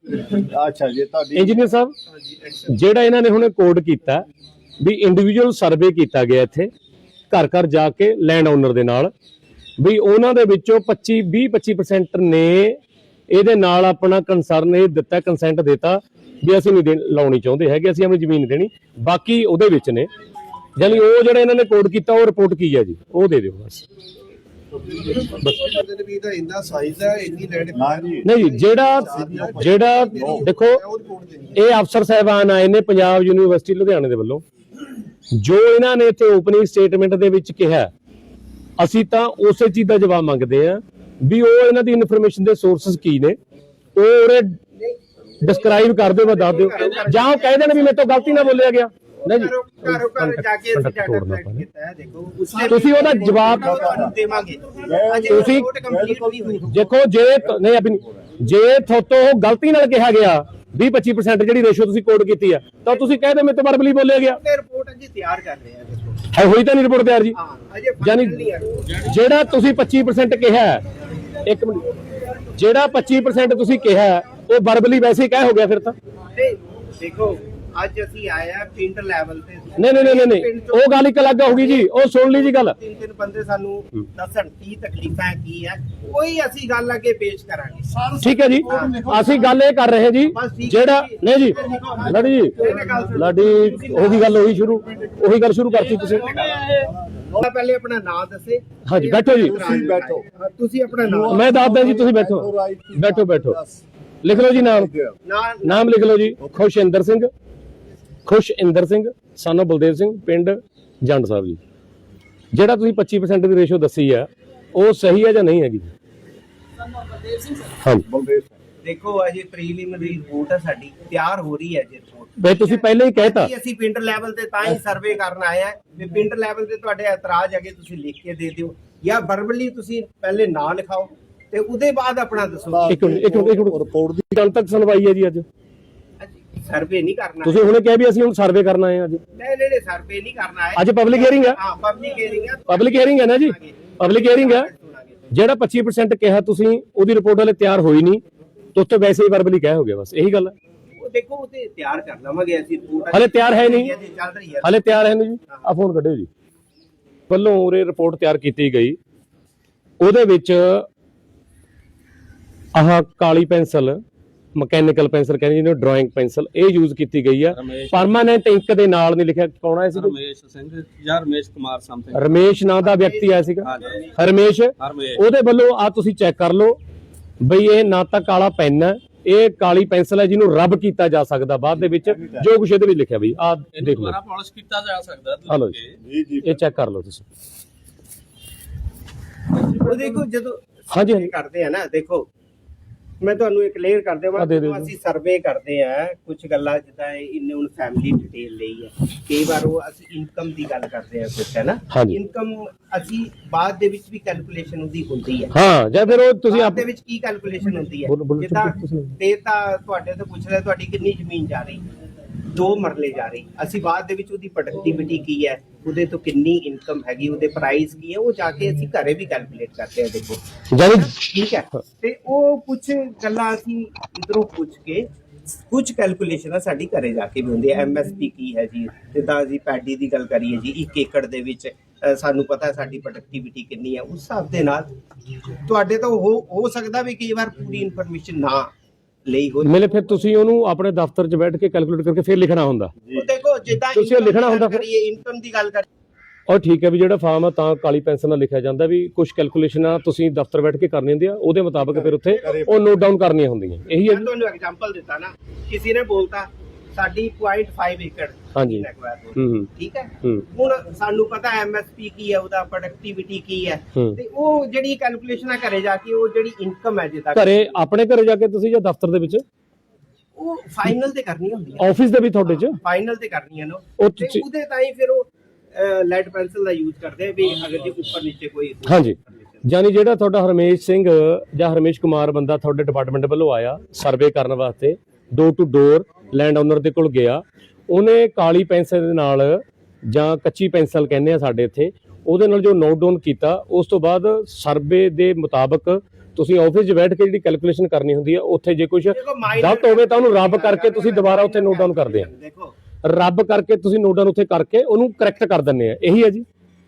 अच्छा जी इंजीनियर साहब ਜਿਹੜਾ ਇਹਨਾਂ ਨੇ ਹੁਣੇ ਕੋਡ ਕੀਤਾ ਵੀ ਇੰਡੀਵਿਜੂਅਲ ਸਰਵੇ ਕੀਤਾ ਗਿਆ ਇੱਥੇ ਘਰ ਘਰ ਜਾ ਕੇ ਲੈਂਡ ਓਨਰ ਦੇ ਨਾਲ ਵੀ ਉਹਨਾਂ ਦੇ ਵਿੱਚੋਂ 20-25% ਨੇ ਇਹਦੇ ਨਾਲ ਆਪਣਾ ਕੰਸਰਨ ਇਹ ਦਿੱਤਾ ਕੰਸੈਂਟ ਦਿੱਤਾ ਵੀ ਅਸੀਂ ਨਹੀਂ ਲਾਉਣੀ ਚਾਹੁੰਦੇ ਹੈਗੇ, ਅਸੀਂ ਆਪਣੀ ਜ਼ਮੀਨ ਦੇਣੀ, ਬਾਕੀ ਉਹਦੇ ਵਿੱਚ ਨੇ। ਯਾਨੀ ਉਹ ਜਿਹੜਾ ਇਹਨਾਂ ਨੇ ਕੋਡ ਕੀਤਾ ਉਹ ਰਿਪੋਰਟ ਕੀ ਹੈ ਜੀ, ਉਹ ਦੇ ਦਿਓ ਬਸ। नहीं जी जेड़ा देखो ये अफसर साहबान आए ने पंजाब यूनिवर्सिटी लुधियाने दे वल्लों जो इन्होंने इत्थे ओपनिंग स्टेटमेंट दे विच कहा असीं तां उसे चीज़ दा जवाब मंगदे आ भी वो इन्हां दी इन्फॉर्मेशन दे सोर्सेस की ने वो उरे डिस्क्राइब कर दो, दस दो, जां कह देण भी मेरे तो गलती ना बोलिया गया नहीं जी ਤੁਸੀਂ ਉਹਦਾ ਜਵਾਬ ਦੇਵਾਂਗੇ। ਤੁਸੀਂ ਦੇਖੋ ਜੇ ਨਹੀਂ ਆਪਣੀ ਜੇ ਥੋਤੋਂ ਗਲਤੀ ਨਾਲ ਕਿਹਾ ਗਿਆ 20-25% ਜਿਹੜੀ ਰੇਸ਼ੋ ਤੁਸੀਂ ਕੋਡ ਕੀਤੀ ਆ ਤਾਂ ਤੁਸੀਂ ਕਹਿ ਦੇ ਮੇਰੇ ਤੋਂ ਵਰਬਲੀ ਬੋਲਿਆ ਗਿਆ। ਰਿਪੋਰਟ ਜੀ ਤਿਆਰ ਕਰ ਰਹੇ ਆ, ਹੋਈ ਤਾਂ ਨਹੀਂ ਰਿਪੋਰਟ ਤਿਆਰ ਜੀ, ਯਾਨੀ ਜਿਹੜਾ ਤੁਸੀਂ 25% ਕਿਹਾ ਇੱਕ ਮਿੰਟ ਜਿਹੜਾ 25% ਤੁਸੀਂ ਕਿਹਾ ਉਹ ਵਰਬਲੀ ਵੈਸੇ ਹੀ ਕਹਿ ਹੋ ਗਿਆ ਫਿਰ ਤਾਂ ਦੇਖੋ ਅੱਜ ਅਸੀਂ ਆਏ ਆ ਪਿੰਡ ਲੈਵਲ ਤੇ ਨਹੀਂ ਉਹ ਗੱਲ ਇੱਕ ਅਲੱਗ ਹੋਗੀ ਜੀ, ਉਹ ਸੁਣ ਲਈ ਜੀ ਗੱਲ। ਤਿੰਨ ਬੰਦੇ ਸਾਨੂੰ ਦੱਸਣ ਕੀ ਤਕਲੀਫਾਂ ਕੀ ਹੈ ਕੋਈ ਅਸੀਂ ਗੱਲ ਅੱਗੇ ਪੇਸ਼ ਕਰਾਂਗੇ। ਠੀਕ ਹੈ ਜੀ, ਅਸੀਂ ਗੱਲ ਇਹ ਕਰ ਰਹੇ ਜੀ ਜਿਹੜਾ ਨਹੀਂ ਜੀ ਲਾਡੀ ਜੀ ਲਾਡੀ ਉਹੀ ਗੱਲ ਉਹੀ ਗੱਲ ਸ਼ੁਰੂ ਕਰਤੀ ਤੁਸੀਂ। ਪਹਿਲੇ ਆਪਣਾ ਨਾਮ ਦੱਸੇ। ਹਾਂਜੀ ਬੈਠੋ ਜੀ, ਤੁਸੀਂ ਆਪਣਾ ਨਾਮ ਮੈਂ ਦੱਸਦਾ ਜੀ, ਤੁਸੀਂ ਬੈਠੋ ਲਿਖ ਲਓ ਜੀ ਨਾਮ ਲਿਖ ਲਓ ਜੀ। ਖੁਸ਼ਇੰਦਰ ਸਿੰਘ ਸਾਨੂੰ ਬਲਦੇਵ ਸਿੰਘ ਪਿੰਡ ਜੰਡ ਸਾਹਿਬ ਜੀ। ਜਿਹੜਾ ਤੁਸੀਂ 25% ਦੀ ਰੇਸ਼ੋ ਦੱਸੀ ਆ ਉਹ ਸਹੀ ਹੈ ਜਾਂ ਨਹੀਂ ਹੈਗੀ? ਹਾਂ ਦੇਖੋ ਅਜੇ ਪ੍ਰੀਲਿਮਿਨਰੀ ਰਿਪੋਰਟ ਹੈ ਸਾਡੀ ਤਿਆਰ ਹੋ ਰਹੀ ਹੈ ਜੀ ਰਿਪੋਰਟ। ਬਈ ਤੁਸੀਂ ਪਹਿਲਾਂ ਹੀ ਕਹਿਤਾ ਅਸੀਂ ਪਿੰਡ ਲੈਵਲ ਤੇ ਤਾਂ ਹੀ ਸਰਵੇ ਕਰਨ ਆਏ ਆ ਵੀ ਪਿੰਡ ਲੈਵਲ ਤੇ ਤੁਹਾਡੇ ਇਤਰਾਜ਼ ਹੈਗੇ ਤੁਸੀਂ ਲਿਖ ਕੇ ਦੇ ਦਿਓ ਜਾਂ ਵਰਬਲੀ ਤੁਸੀਂ ਪਹਿਲੇ ਨਾਂ ਲਿਖਾਓ ਤੇ ਉਹਦੇ ਬਾਅਦ ਆਪਣਾ ਦੱਸੋ। ਇੱਕ ਰਿਪੋਰਟ ਦੀ ਕੱਲ ਤੱਕ ਸੁਣਵਾਈ ਹੈ ਜੀ ਅੱਜ ਸਰਵੇ ਨਹੀਂ ਕਰਨਾ ਤੁਸੀਂ ਹੁਣੇ ਕਿਹਾ ਵੀ ਅਸੀਂ ਹੁਣ ਸਰਵੇ ਕਰਨਾ ਹੈ ਅੱਜ। ਨਹੀਂ ਸਰਵੇ ਨਹੀਂ ਕਰਨਾ ਹੈ ਅੱਜ ਪਬਲਿਕ ਹੀਅਰਿੰਗ ਹੈ। ਹਾਂ ਪਬਲਿਕ ਹੀਅਰਿੰਗ ਹੈ ਨਾ ਜੀ, ਪਬਲਿਕ ਹੀਅਰਿੰਗ ਹੈ। ਜਿਹੜਾ 25% ਕਿਹਾ ਤੁਸੀਂ ਉਹਦੀ ਰਿਪੋਰਟ ਹਲੇ ਤਿਆਰ ਹੋਈ ਨਹੀਂ ਤੇ ਉੱਥੇ ਵੈਸੇ ਹੀ ਵਰਬਲੀ ਕਹਿ ਹੋ ਗਿਆ, ਬਸ ਇਹੀ ਗੱਲ ਹੈ। ਉਹ ਦੇਖੋ ਉਹ ਤੇ ਤਿਆਰ ਕਰ ਲਵਾਂਗੇ ਅਸੀਂ ਰਿਪੋਰਟ ਹਲੇ ਤਿਆਰ ਹੈ ਨਹੀਂ, ਚੱਲ ਰਹੀ ਹੈ ਹਲੇ ਤਿਆਰ ਹੈ ਨਹੀਂ ਜੀ। ਆ ਫੋਨ ਕੱਢਿਓ ਜੀ। ਵੱਲੋਂ ਉਰੇ ਰਿਪੋਰਟ ਤਿਆਰ ਕੀਤੀ ਗਈ ਉਹਦੇ ਵਿੱਚ ਆਹ ਕਾਲੀ ਪੈਨਸਲ ਮਕੈਨੀਕਲ ਪੈਨਸਲ ਕਹਿੰਦੇ ਜਿਹਨੂੰ ਡਰਾਇੰਗ ਪੈਨਸਲ ਇਹ ਯੂਜ਼ ਕੀਤੀ ਗਈ ਆ। ਪਰਮਾਨੈਂਟ ਇੰਕ ਦੇ ਨਾਲ ਨਹੀਂ ਲਿਖਿਆ, ਕੌਣ ਆਇਆ ਸੀ? ਰਮੇਸ਼ ਸਿੰਘ ਜਾਂ ਰਮੇਸ਼ ਕੁਮਾਰ ਸਮਥਿੰਗ, ਰਮੇਸ਼ ਨਾਂ ਦਾ ਵਿਅਕਤੀ ਆਇਆ ਸੀਗਾ। ਰਮੇਸ਼ ਉਹਦੇ ਵੱਲੋਂ ਆ ਤੁਸੀਂ ਚੈੱਕ ਕਰ ਲਓ ਬਈ ਇਹ ਨਾ ਤਾਂ ਕਾਲਾ ਪੈਨ ਹੈ, ਇਹ ਕਾਲੀ ਪੈਨਸਲ ਹੈ ਜਿਹਨੂੰ ਰੱਬ ਕੀਤਾ ਜਾ ਸਕਦਾ ਬਾਅਦ ਦੇ ਵਿੱਚ ਜੋ ਕੁਛ ਇਹਦੇ ਵਿੱਚ ਲਿਖਿਆ ਬਈ ਆ ਦੇਖ ਲਓ, ਪਾਲਿਸ਼ ਕੀਤਾ ਜਾ ਸਕਦਾ। ਹਲੋ ਜੀ ਇਹ ਚੈੱਕ ਕਰ ਲਓ ਤੁਸੀਂ। ਉਹ ਦੇਖੋ ਜਦੋਂ ਹਾਂਜੀ ਕਰਦੇ ਆ ਨਾ, ਦੇਖੋ ਮੈਂ ਤੁਹਾਨੂੰ ਇੱਕ ਕਲੀਅਰ ਕਰ ਦੇਵਾਂ, ਅਸੀਂ ਸਰਵੇ ਕਰਦੇ ਆ ਕੁਝ ਗੱਲਾਂ ਜਿੱਦਾਂ ਇਹਨੇ ਹੁਣ ਫੈਮਿਲੀ ਡਿਟੇਲ ਲਈ ਹੈ, ਕਈ ਵਾਰ ਉਹ ਅਸੀਂ ਇਨਕਮ ਦੀ ਗੱਲ ਕਰਦੇ ਆ ਕੁਝ ਹੈ ਨਾ, ਇਨਕਮ ਅਸੀਂ ਬਾਅਦ ਦੇ ਵਿੱਚ ਵੀ ਕੈਲਕੂਲੇਸ਼ਨ ਉਹਦੀ ਹੁੰਦੀ ਹੈ। ਹਾਂ ਜਾਂ ਫਿਰ ਉਹ ਤੁਸੀਂ ਆਪ ਦੇ ਵਿੱਚ ਕੀ ਕੈਲਕੂਲੇਸ਼ਨ ਹੁੰਦੀ ਹੈ ਜਿੱਦਾਂ ਤੇ ਤਾਂ ਤੁਹਾਡੇ ਤੋਂ ਪੁੱਛ ਰਿਹਾ ਤੁਹਾਡੀ ਕਿੰਨੀ ਜ਼ਮੀਨ ਜਾ ਰਹੀ, 2 ਮਰਲੇ ਜਾ ਰਹੀ, ਅਸੀਂ ਬਾਅਦ ਦੇ ਵਿੱਚ ਉਹਦੀ ਪ੍ਰੋਡਕਟਿਵਿਟੀ ਕੀ ਹੈ, ਉਹਦੇ ਤੋਂ ਕਿੰਨੀ ਇਨਕਮ ਹੈਗੀ, ਉਹਦੇ ਪ੍ਰਾਈਸ ਕੀ ਹੈ, ਉਹ ਜਾ ਕੇ ਅਸੀਂ ਘਰੇ ਵੀ ਕੈਲਕੂਲੇਟ ਕਰਦੇ ਆ। ਦੇਖੋ ਠੀਕ ਹੈ, ਤੇ ਉਹ ਕੁਝ ਗੱਲਾਂ ਅਸੀਂ ਇਧਰੋਂ ਪੁੱਛ ਕੇ ਕੁਝ ਕੈਲਕੂਲੇਸ਼ਨ ਸਾਡੀ ਘਰੇ ਜਾ ਕੇ ਵੀ ਹੁੰਦੀ ਹੈ। MSP ਕੀ ਹੈ ਜੀ, ਜਿੱਦਾਂ ਅਸੀਂ ਪੈਡੀ ਦੀ ਗੱਲ ਕਰੀਏ ਜੀ 1 ਏਕੜ ਦੇ ਵਿੱਚ ਸਾਨੂੰ ਪਤਾ ਸਾਡੀ ਪ੍ਰੋਡਕਟਿਵਿਟੀ ਕਿੰਨੀ ਹੈ, ਉਸ ਹਿਸਾਬ ਦੇ ਨਾਲ ਤੁਹਾਡੇ ਤੋਂ ਹੋ ਸਕਦਾ ਵੀ ਕਈ ਵਾਰ ਪੂਰੀ ਇਨਫੋਰਮੇਸ਼ਨ ਨਾ ਲਈ ਹੋ ਮਿਲੇ, ਫਿਰ ਤੁਸੀਂ ਉਹਨੂੰ ਆਪਣੇ ਦਫ਼ਤਰ 'ਚ ਬੈਠ ਕੇ ਕੈਲਕੂਲੇਟ ਕਰਕੇ ਫਿਰ ਲਿਖਣਾ ਹੁੰਦਾ। ਦੇਖੋ ਜਿੱਦਾਂ ਤੁਸੀਂ ਲਿਖਣਾ ਹੁੰਦਾ ਕਰੀਏ ਇਨਕਮ ਦੀ ਗੱਲ ਕਰ ਔਰ ਠੀਕ ਹੈ ਵੀ ਜਿਹੜਾ ਫਾਰਮ ਆ ਤਾਂ ਕਾਲੀ ਪੈਨਸਲ ਨਾਲ ਲਿਖਿਆ ਜਾਂਦਾ ਵੀ ਕੁਝ ਕੈਲਕੂਲੇਸ਼ਨਾਂ ਤੁਸੀਂ ਦਫ਼ਤਰ ਬੈਠ ਕੇ ਕਰਨੀ ਹੁੰਦੀ ਆ, ਉਹਦੇ ਮੁਤਾਬਕ ਫਿਰ ਉੱਥੇ ਉਹ ਨੋਟ ਡਾਊਨ ਕਰਨੀਆਂ ਹੁੰਦੀਆਂ। ਇਹੀ ਹੈ। ਤੁਹਾਨੂੰ ਐਗਜ਼ਾਮਪਲ ਦਿੱਤਾ ਨਾ, ਕਿਸੇ ਨੇ ਬੋਲਤਾ ਸਾਡੀ 0.5 ਏਕੜ ਹਾਂਜੀ ਠੀਕ ਹੈ, ਹੁਣ ਸਾਨੂੰ ਪਤਾ MSP ਕੀ ਹੈ, ਉਹਦਾ ਪ੍ਰੋਡਕਟਿਵਿਟੀ ਕੀ ਹੈ, ਤੇ ਉਹ ਜਿਹੜੀ ਕੈਲਕੂਲੇਸ਼ਨ ਘਰੇ ਜਾ ਕੇ ਉਹ ਜਿਹੜੀ ਇਨਕਮ ਹੈ ਜਿੱਦਾਂ ਘਰੇ ਆਪਣੇ ਘਰੇ ਜਾ ਕੇ ਤੁਸੀਂ ਜਾਂ ਦਫ਼ਤਰ ਦੇ ਵਿੱਚ ਉਹ ਫਾਈਨਲ ਤੇ ਕਰਨੀ ਹੁੰਦੀ ਹੈ, ਆਫਿਸ ਦੇ ਵੀ ਤੁਹਾਡੇ 'ਚ ਫਾਈਨਲ ਤੇ ਕਰਨੀ ਹੈ ਨਾ, ਉਹਦੇ ਤਾਂ ਹੀ ਫਿਰ ਉਹ ਲੈਡ ਪੈਨਸਲ ਦਾ ਯੂਜ਼ ਕਰਦੇ ਆ ਵੀ ਅਗਰ ਜੇ ਉੱਪਰ ਨੀਚੇ ਕੋਈ। ਹਾਂਜੀ, ਯਾਨੀ ਜਿਹੜਾ ਤੁਹਾਡਾ ਹਰਮੇਸ਼ ਸਿੰਘ ਜਾਂ ਹਰਮੇਸ਼ ਕੁਮਾਰ ਬੰਦਾ ਤੁਹਾਡੇ ਡਿਪਾਰਟਮੈਂਟ ਵੱਲੋਂ ਆਇਆ ਸਰਵੇ ਕਰਨ ਵਾਸਤੇ, door to door land owner ਦੇ ਕੋਲ ਗਿਆ, ਉਹਨੇ ਕਾਲੀ ਪੈਨਸਲ ਦੇ ਨਾਲ ਜਾਂ ਕੱਚੀ ਪੈਨਸਲ ਕਹਿੰਦੇ ਆ ਸਾਡੇ ਇੱਥੇ, ਉਹਦੇ ਨਾਲ ਜੋ ਨੋਟ ਡਾਊਨ ਕੀਤਾ, ਉਸ ਤੋਂ ਬਾਅਦ ਸਰਵੇ ਦੇ ਮੁਤਾਬਕ ਤੁਸੀਂ ਆਫਿਸ 'ਚ ਬੈਠ ਕੇ ਜਿਹੜੀ ਕੈਲਕੂਲੇਸ਼ਨ ਕਰਨੀ ਹੁੰਦੀ ਹੈ, ਉੱਥੇ ਜੇ ਕੁਝ ਦੇਖੋ, minor ਗਲਤ ਹੋਵੇ ਤਾਂ ਉਹਨੂੰ ਰੱਬ ਕਰਕੇ ਤੁਸੀਂ ਦੁਬਾਰਾ ਉੱਥੇ ਨੋਟ ਡਾਊਨ ਕਰਦੇ ਆ, ਦੇਖੋ ਰੱਬ ਕਰਕੇ ਤੁਸੀਂ ਨੋਟ ਡਾਊਨ ਉੱਥੇ ਕਰਕੇ ਉਹਨੂੰ ਕਰੈਕਟ ਕਰ ਦਿੰਦੇ ਆ, ਇਹੀ ਹੈ ਜੀ।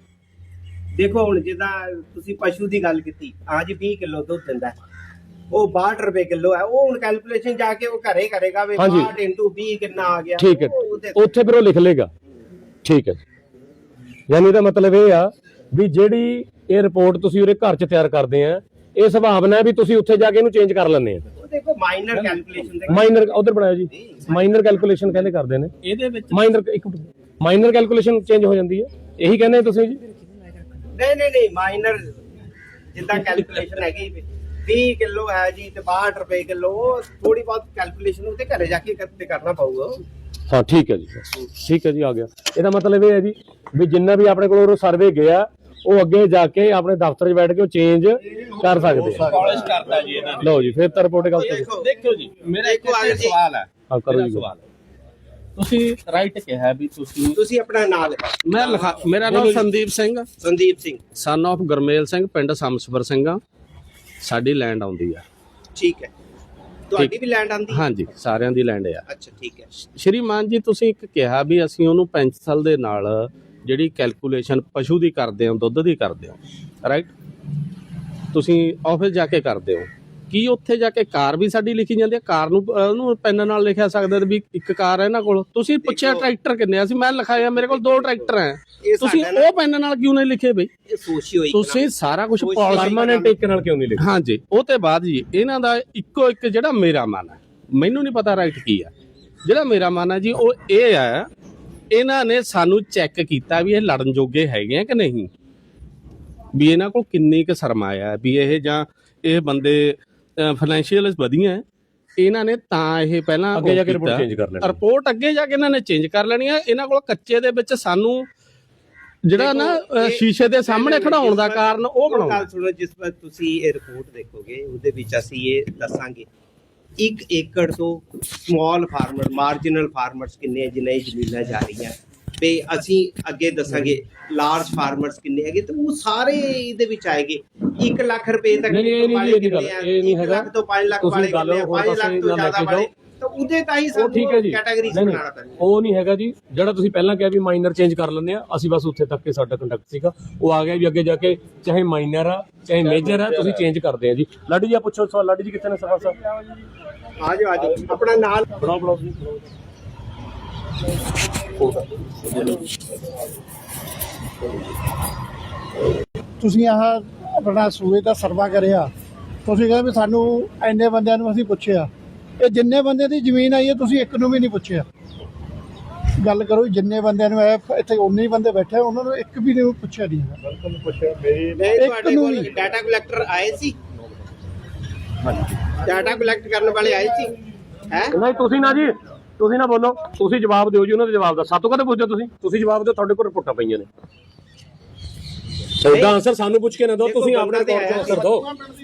ਦੇਖੋ ਹੁਣ ਜਿੱਦਾਂ ਤੁਸੀਂ ਪਸ਼ੂ ਦੀ ਗੱਲ ਕੀਤੀ, ਅੱਜ 20 ਕਿਲੋ ਦੁੱਧ ਦਿੰਦਾ ਹੈ, ਉਹ 62 ਰੁਪਏ ਕਿਲੋ ਹੈ, ਉਹ ਹੁਣ ਕੈਲਕੂਲੇਸ਼ਨ ਜਾ ਕੇ ਉਹ ਘਰੇ ਕਰੇਗਾ ਵੀ ਹਾਂਜੀ। 62 into 20 ਕਿੰਨਾ ਆ ਗਿਆ, ਠੀਕ ਹੈ, ਉਹ ਉਹਦੇ- ਉੱਥੇ ਫਿਰ ਉਹ ਲਿਖ ਲੇਗਾ। ਠੀਕ ਹੈ, ਯਾਨੀ ਇਹਦਾ ਮਤਲਬ ਇਹ ਆ ਵੀ ਜਿਹੜੀ ਇਹ ਰਿਪੋਰਟ ਤੁਸੀਂ ਉਹਦੇ ਘਰ 'ਚ ਤਿਆਰ ਕਰਦੇ ਆ, ਇਹ ਸੰਭਾਵਨਾ ਹੈ ਵੀ ਤੁਸੀਂ ਉੱਥੇ ਜਾ ਕੇ ਇਹਨੂੰ ਚੇਂਜ ਕਰ ਲੈਂਦੇ ਆ। ਉਹ ਦੇਖੋ ਮਾਈਨਰ ਕੈਲਕੂਲੇਸ਼ਨ ਦੇ ਮਾਈਨਰ ਉਧਰ ਬਣਾਇਆ ਜੀ, ਮਾਈਨਰ ਕੈਲਕੂਲੇਸ਼ਨ ਕਹਿੰਦੇ ਕਰਦੇ ਨੇ, ਇਹਦੇ ਵਿੱਚ ਮਾਈਨਰ ਕੈਲਕੂਲੇਸ਼ਨ ਚੇਂਜ ਹੋ ਜਾਂਦੀ ਹੈ, ਇਹੀ ਕਹਿੰਦੇ ਤੁਸੀਂ ਜੀ। ਨਹੀਂ ਮਾਈਨਰ ਜਿੱਦਾਂ ਕੈਲਕੂਲੇਸ਼ਨ ਹੈਗੀ 20 ਕਿਲੋ ਹੈ ਜੀ ਤੇ 62 ਰੁਪਏ ਕਿਲੋ, ਉਹ ਥੋੜੀ ਬਹੁਤ ਕੈਲਕੂਲੇਸ਼ਨ ਉਹਦੇ ਘਰੇ ਜਾ ਕੇ ਕਰਨਾ ਪਊਗਾ। ਹਾਂ ਠੀਕ ਹੈ ਜੀ, ਠੀਕ ਹੈ ਜੀ, ਆ ਗਿਆ। ਇਹਦਾ ਮਤਲਬ ਇਹ ਹੈ ਜੀ ਵੀ ਜਿੰਨਾ ਵੀ ਆਪਣੇ ਕੋਲ ਸਰਵੇ ਗਿਆ ਉਹ ਅੱਗੇ ਜਾ ਕੇ ਆਪਣੇ ਦਫ਼ਤਰ 'ਚ ਬੈਠ ਕੇ ਉਹ ਚੇਂਜ ਕਰ ਸਕਦੇ ਆ। ਪਾਲਿਸ਼ ਕਰਤਾ ਜੀ ਇਹਨਾਂ ਨੇ। ਲਓ ਜੀ, ਫਿਰ ਤਾਂ ਰਿਪੋਰਟ ਗਲਤ ਹੈ। ਦੇਖੋ ਜੀ, ਮੇਰਾ ਇੱਕ ਸਵਾਲ ਹੈ। ਹਾਂ ਕਰੋ ਜੀ। ਸਵਾਲ ਤੁਸੀਂ ਰਾਈਟ ਕਿਹਾ ਵੀ ਤੁਸੀਂ ਆਪਣਾ ਨਾਮ ਲਿਖਾਓ। ਮੈਂ ਲਿਖਾ, ਮੇਰਾ ਨਾਮ ਸੰਦੀਪ ਸਿੰਘ, ਸੰਦੀਪ ਸਿੰਘ, ਸਨ ਆਫ ਗੁਰਮੇਲ ਸਿੰਘ, ਪਿੰਡ ਸਮਸਵਰ ਸਿੰਘਾ। ਸਾਡੀ ਲੈਂਡ ਆਉਂਦੀ ਆ। ਠੀਕ ਹੈ, ਤੁਹਾਡੀ ਵੀ ਲੈਂਡ ਆਂਦੀ? ਹਾਂਜੀ, ਸਾਰਿਆਂ ਦੀ ਲੈਂਡ ਆ। ਅੱਛਾ ਠੀਕ ਹੈ। ਸ਼੍ਰੀਮਾਨ ਜੀ, ਤੁਸੀਂ ਇੱਕ ਕਿਹਾ ਵੀ ਅਸੀਂ ਉਹਨੂੰ ਪੈਨਸਲ ਦੇ ਨਾਲ ਜਿਹੜੀ ਕੈਲਕੂਲੇਸ਼ਨ ਪਸ਼ੂ ਦੀ ਕਰਦੇ ਹੋ, ਦੁੱਧ ਦੀ ਕਰਦੇ ਹੋ, ਰਾਈਟ? ਤੁਸੀਂ ਆਫਿਸ ਜਾ ਕੇ ਕਰਦੇ ਹੋ, ਕੀ ਉੱਥੇ ਜਾ ਕੇ ਕਾਰ ਵੀ ਸਾਡੀ ਲਿਖੀ ਜਾਂਦੀ ਹੈ? ਕਾਰ ਨੂੰ ਉਹਨੂੰ ਪੈਨ ਨਾਲ ਲਿਖਿਆ ਸਕਦਾ ਵੀ ਇੱਕ ਕਾਰ ਹੈ ਇਹਨਾਂ ਕੋਲ। ਤੁਸੀਂ ਪੁੱਛਿਆ ਟਰੈਕਟਰ ਕਿੰਨੇ ਆ? ਅਸੀਂ ਮੈਂ ਲਿਖਾਇਆ ਮੇਰੇ ਕੋਲ 2 ਟਰੈਕਟਰ ਹੈ, ਤੁਸੀਂ ਉਹ ਪੈਨ ਨਾਲ ਕਿਉਂ ਨਹੀਂ ਲਿਖੇ ਬਈ? ਇਹ ਸੋਸ਼ੀਓ ਤੁਸੀਂ ਸਾਰਾ ਕੁਝ ਪਰਮਾਨੈਂਟ ਇੱਕ ਨਾਲ ਕਿਉਂ ਨਹੀਂ ਲਿਖਿਆ? ਹਾਂਜੀ, ਉਹ ਤੇ ਬਾਅਦ ਜੀ ਇਹਨਾਂ ਦਾ ਇੱਕੋ ਇੱਕ ਜਿਹੜਾ ਮੇਰਾ ਮਨ ਹੈ, ਮੈਨੂੰ ਨਹੀਂ ਪਤਾ ਰਾਈਟ ਕੀ ਆ, ਜਿਹੜਾ ਮੇਰਾ ਮਨ ਹੈ ਜੀ ਉਹ ਇਹ ਹੈ, ਇਹਨਾਂ ਨੇ ਸਾਨੂੰ ਚੈੱਕ ਕੀਤਾ ਵੀ ਇਹ ਲੜਨ ਜੋਗੇ ਹੈਗੇ ਆ ਕਿ ਨਹੀਂ, ਵੀ ਇਹਨਾਂ ਕੋਲ ਕਿੰਨੀ ਕੁ ਸਰਮਾਇਆ ਹੈ, ਵੀ ਇਹ ਜਾਂ ਇਹ ਬੰਦੇ ਫਾਈਨੈਂਸ਼ੀਅਲ ਵਧੀਆ ਹੈ। ਇਹਨਾਂ ਨੇ ਤਾਂ ਇਹ ਪਹਿਲਾਂ ਅੱਗੇ ਜਾ ਕੇ ਰਿਪੋਰਟ ਚੇਂਜ ਕਰ ਲੈਣੀ, ਰਿਪੋਰਟ ਅੱਗੇ ਜਾ ਕੇ ਇਹਨਾਂ ਨੇ ਚੇਂਜ ਕਰ ਲੈਣੀ ਹੈ। ਇਹਨਾਂ ਕੋਲ ਕੱਚੇ ਦੇ ਵਿੱਚ ਸਾਨੂੰ ਜਿਹੜਾ ਨਾ ਸ਼ੀਸ਼ੇ ਦੇ ਸਾਹਮਣੇ ਖੜਾਉਣ ਦਾ ਕਾਰਨ ਉਹ ਬਣਾਉਣਾ। ਗੱਲ ਸੁਣੋ, ਜਿਸ ਵਾਰ ਤੁਸੀਂ ਇਹ ਰਿਪੋਰਟ ਦੇਖੋਗੇ ਉਹਦੇ ਵਿੱਚ ਅਸੀਂ ਇਹ ਦੱਸਾਂਗੇ 1 ਏਕੜ ਤੋਂ ਸਮਾਲ ਫਾਰਮਰ, ਮਾਰਜਨਲ ਫਾਰਮਰਸ ਕਿੰਨੇ ਜਿਨ੍ਹਾਂ ਦੀ ਜ਼ਮੀਨਾਂ ਜਾ ਰਹੀਆਂ, ਤੇ ਅਸੀਂ ਅੱਗੇ ਦੱਸਾਂਗੇ ਲਾਰਜ ਫਾਰਮਰਸ ਕਿੰਨੇ ਹੈਗੇ, ਤੇ ਉਹ ਸਾਰੇ ਇਹਦੇ ਵਿੱਚ ਆਏਗੇ। 1 ਲੱਖ ਰੁਪਏ ਤੱਕ ਨਹੀਂ ਇਹ ਨਹੀਂ ਹੈਗਾ, 1 ਲੱਖ ਤੋਂ 5 ਲੱਖ ਵਾਲੇ ਕਿੰਨੇ ਆ, 5 ਲੱਖ ਤੋਂ ਜ਼ਿਆਦਾ ਵਾਲੇ, ਤਾਂ ਉਹਦੇ ਤਾਂ ਹੀ ਉਹ ਠੀਕ ਹੈ ਜੀ, ਕੈਟਾਗਰੀਜ਼ ਬਣਾਉਣਾ ਪੈਂਦਾ। ਉਹ ਨਹੀਂ ਹੈਗਾ ਜੀ, ਜਿਹੜਾ ਤੁਸੀਂ ਪਹਿਲਾਂ ਕਿਹਾ ਵੀ ਮਾਈਨਰ ਚੇਂਜ ਕਰ ਲੈਂਦੇ ਆ, ਅਸੀਂ ਬਸ ਉੱਥੇ ਤੱਕ ਸਾਡਾ ਕੰਡਕਟ ਸੀਗਾ। ਉਹ ਆ ਗਿਆ ਵੀ ਅੱਗੇ ਜਾ ਕੇ ਚਾਹੇ ਮਾਈਨਰ ਆ ਚਾਹੇ ਮੇਜਰ ਆ, ਤੁਸੀਂ ਚੇਂਜ ਕਰਦੇ ਆ ਜੀ। ਲਾਡੀ ਜੀ ਆ ਪੁੱਛੋ ਸਵਾਲ। ਲਾਡੀ ਜੀ ਕਿੱਥੇ ਨੇ? ਸਵਾਲ ਸਾਹਿਬ ਆ ਜਾਓ ਆਪਣਾ ਨਾਲ ਬਣਾਓ ਜੀ। ਤੁਸੀਂ ਆਹ ਆਪਣਾ ਸੂਏ ਦਾ ਸਰਵਾ ਕਰਿਆ, ਤੁਸੀਂ ਕਹਿੰਦੇ ਵੀ ਸਾਨੂੰ ਇੰਨੇ ਬੰਦਿਆਂ ਨੂੰ ਅਸੀਂ ਪੁੱਛਿਆ, ਇਹ ਜਿੰਨੇ ਬੰਦੇ ਦੀ ਜ਼ਮੀਨ ਆਈ ਹੈ ਤੁਸੀਂ ਇੱਕ ਨੂੰ ਵੀ ਨਹੀਂ ਪੁੱਛਿਆ। ਗੱਲ ਕਰੋ, ਜਿੰਨੇ ਬੰਦਿਆਂ ਨੂੰ ਇੱਥੇ ਉਨੇ ਹੀ ਬੰਦੇ ਬੈਠੇ, ਉਹਨਾਂ ਨੂੰ ਇੱਕ ਵੀ ਨਹੀਂ ਪੁੱਛਿਆ ਨਹੀਂ ਹੈਗਾ। ਬਿਲਕੁਲ ਪੁੱਛਿਆ ਤੁਹਾਡੇ ਕੋਲ ਡਾਟਾ ਕਲੈਕਟਰ ਆਏ ਸੀ? ਡਾਟਾ ਕਲੈਕਟ ਕਰਨ ਵਾਲੇ ਆਏ ਸੀ? ਹੈ ਨਹੀਂ ਤੁਸੀਂ ਨਾ ਜੀ, ਤੁਸੀਂ ਨਾ ਬੋਲੋ, ਤੁਸੀਂ ਜਵਾਬ ਦਿਓ ਜੀ ਉਹਨਾਂ ਦੇ ਜਵਾਬ ਦਾ। ਸਾਤੋਂ ਕਦੇ ਪੁੱਛਦੇ ਤੁਸੀਂ ਜਵਾਬ ਦਿਓ, ਤੁਹਾਡੇ ਕੋਲ ਰਿਪੋਰਟਾਂ ਪਈਆਂ ਨੇ। ਉਹਦਾ ਆਨਸਰ ਸਾਨੂੰ ਪੁੱਛ ਕੇ ਨਾ ਦਿਓ, ਤੁਸੀਂ ਆਪਣੇ ਤੌਰ ਤੇ ਆਨਸਰ ਦਿਓ।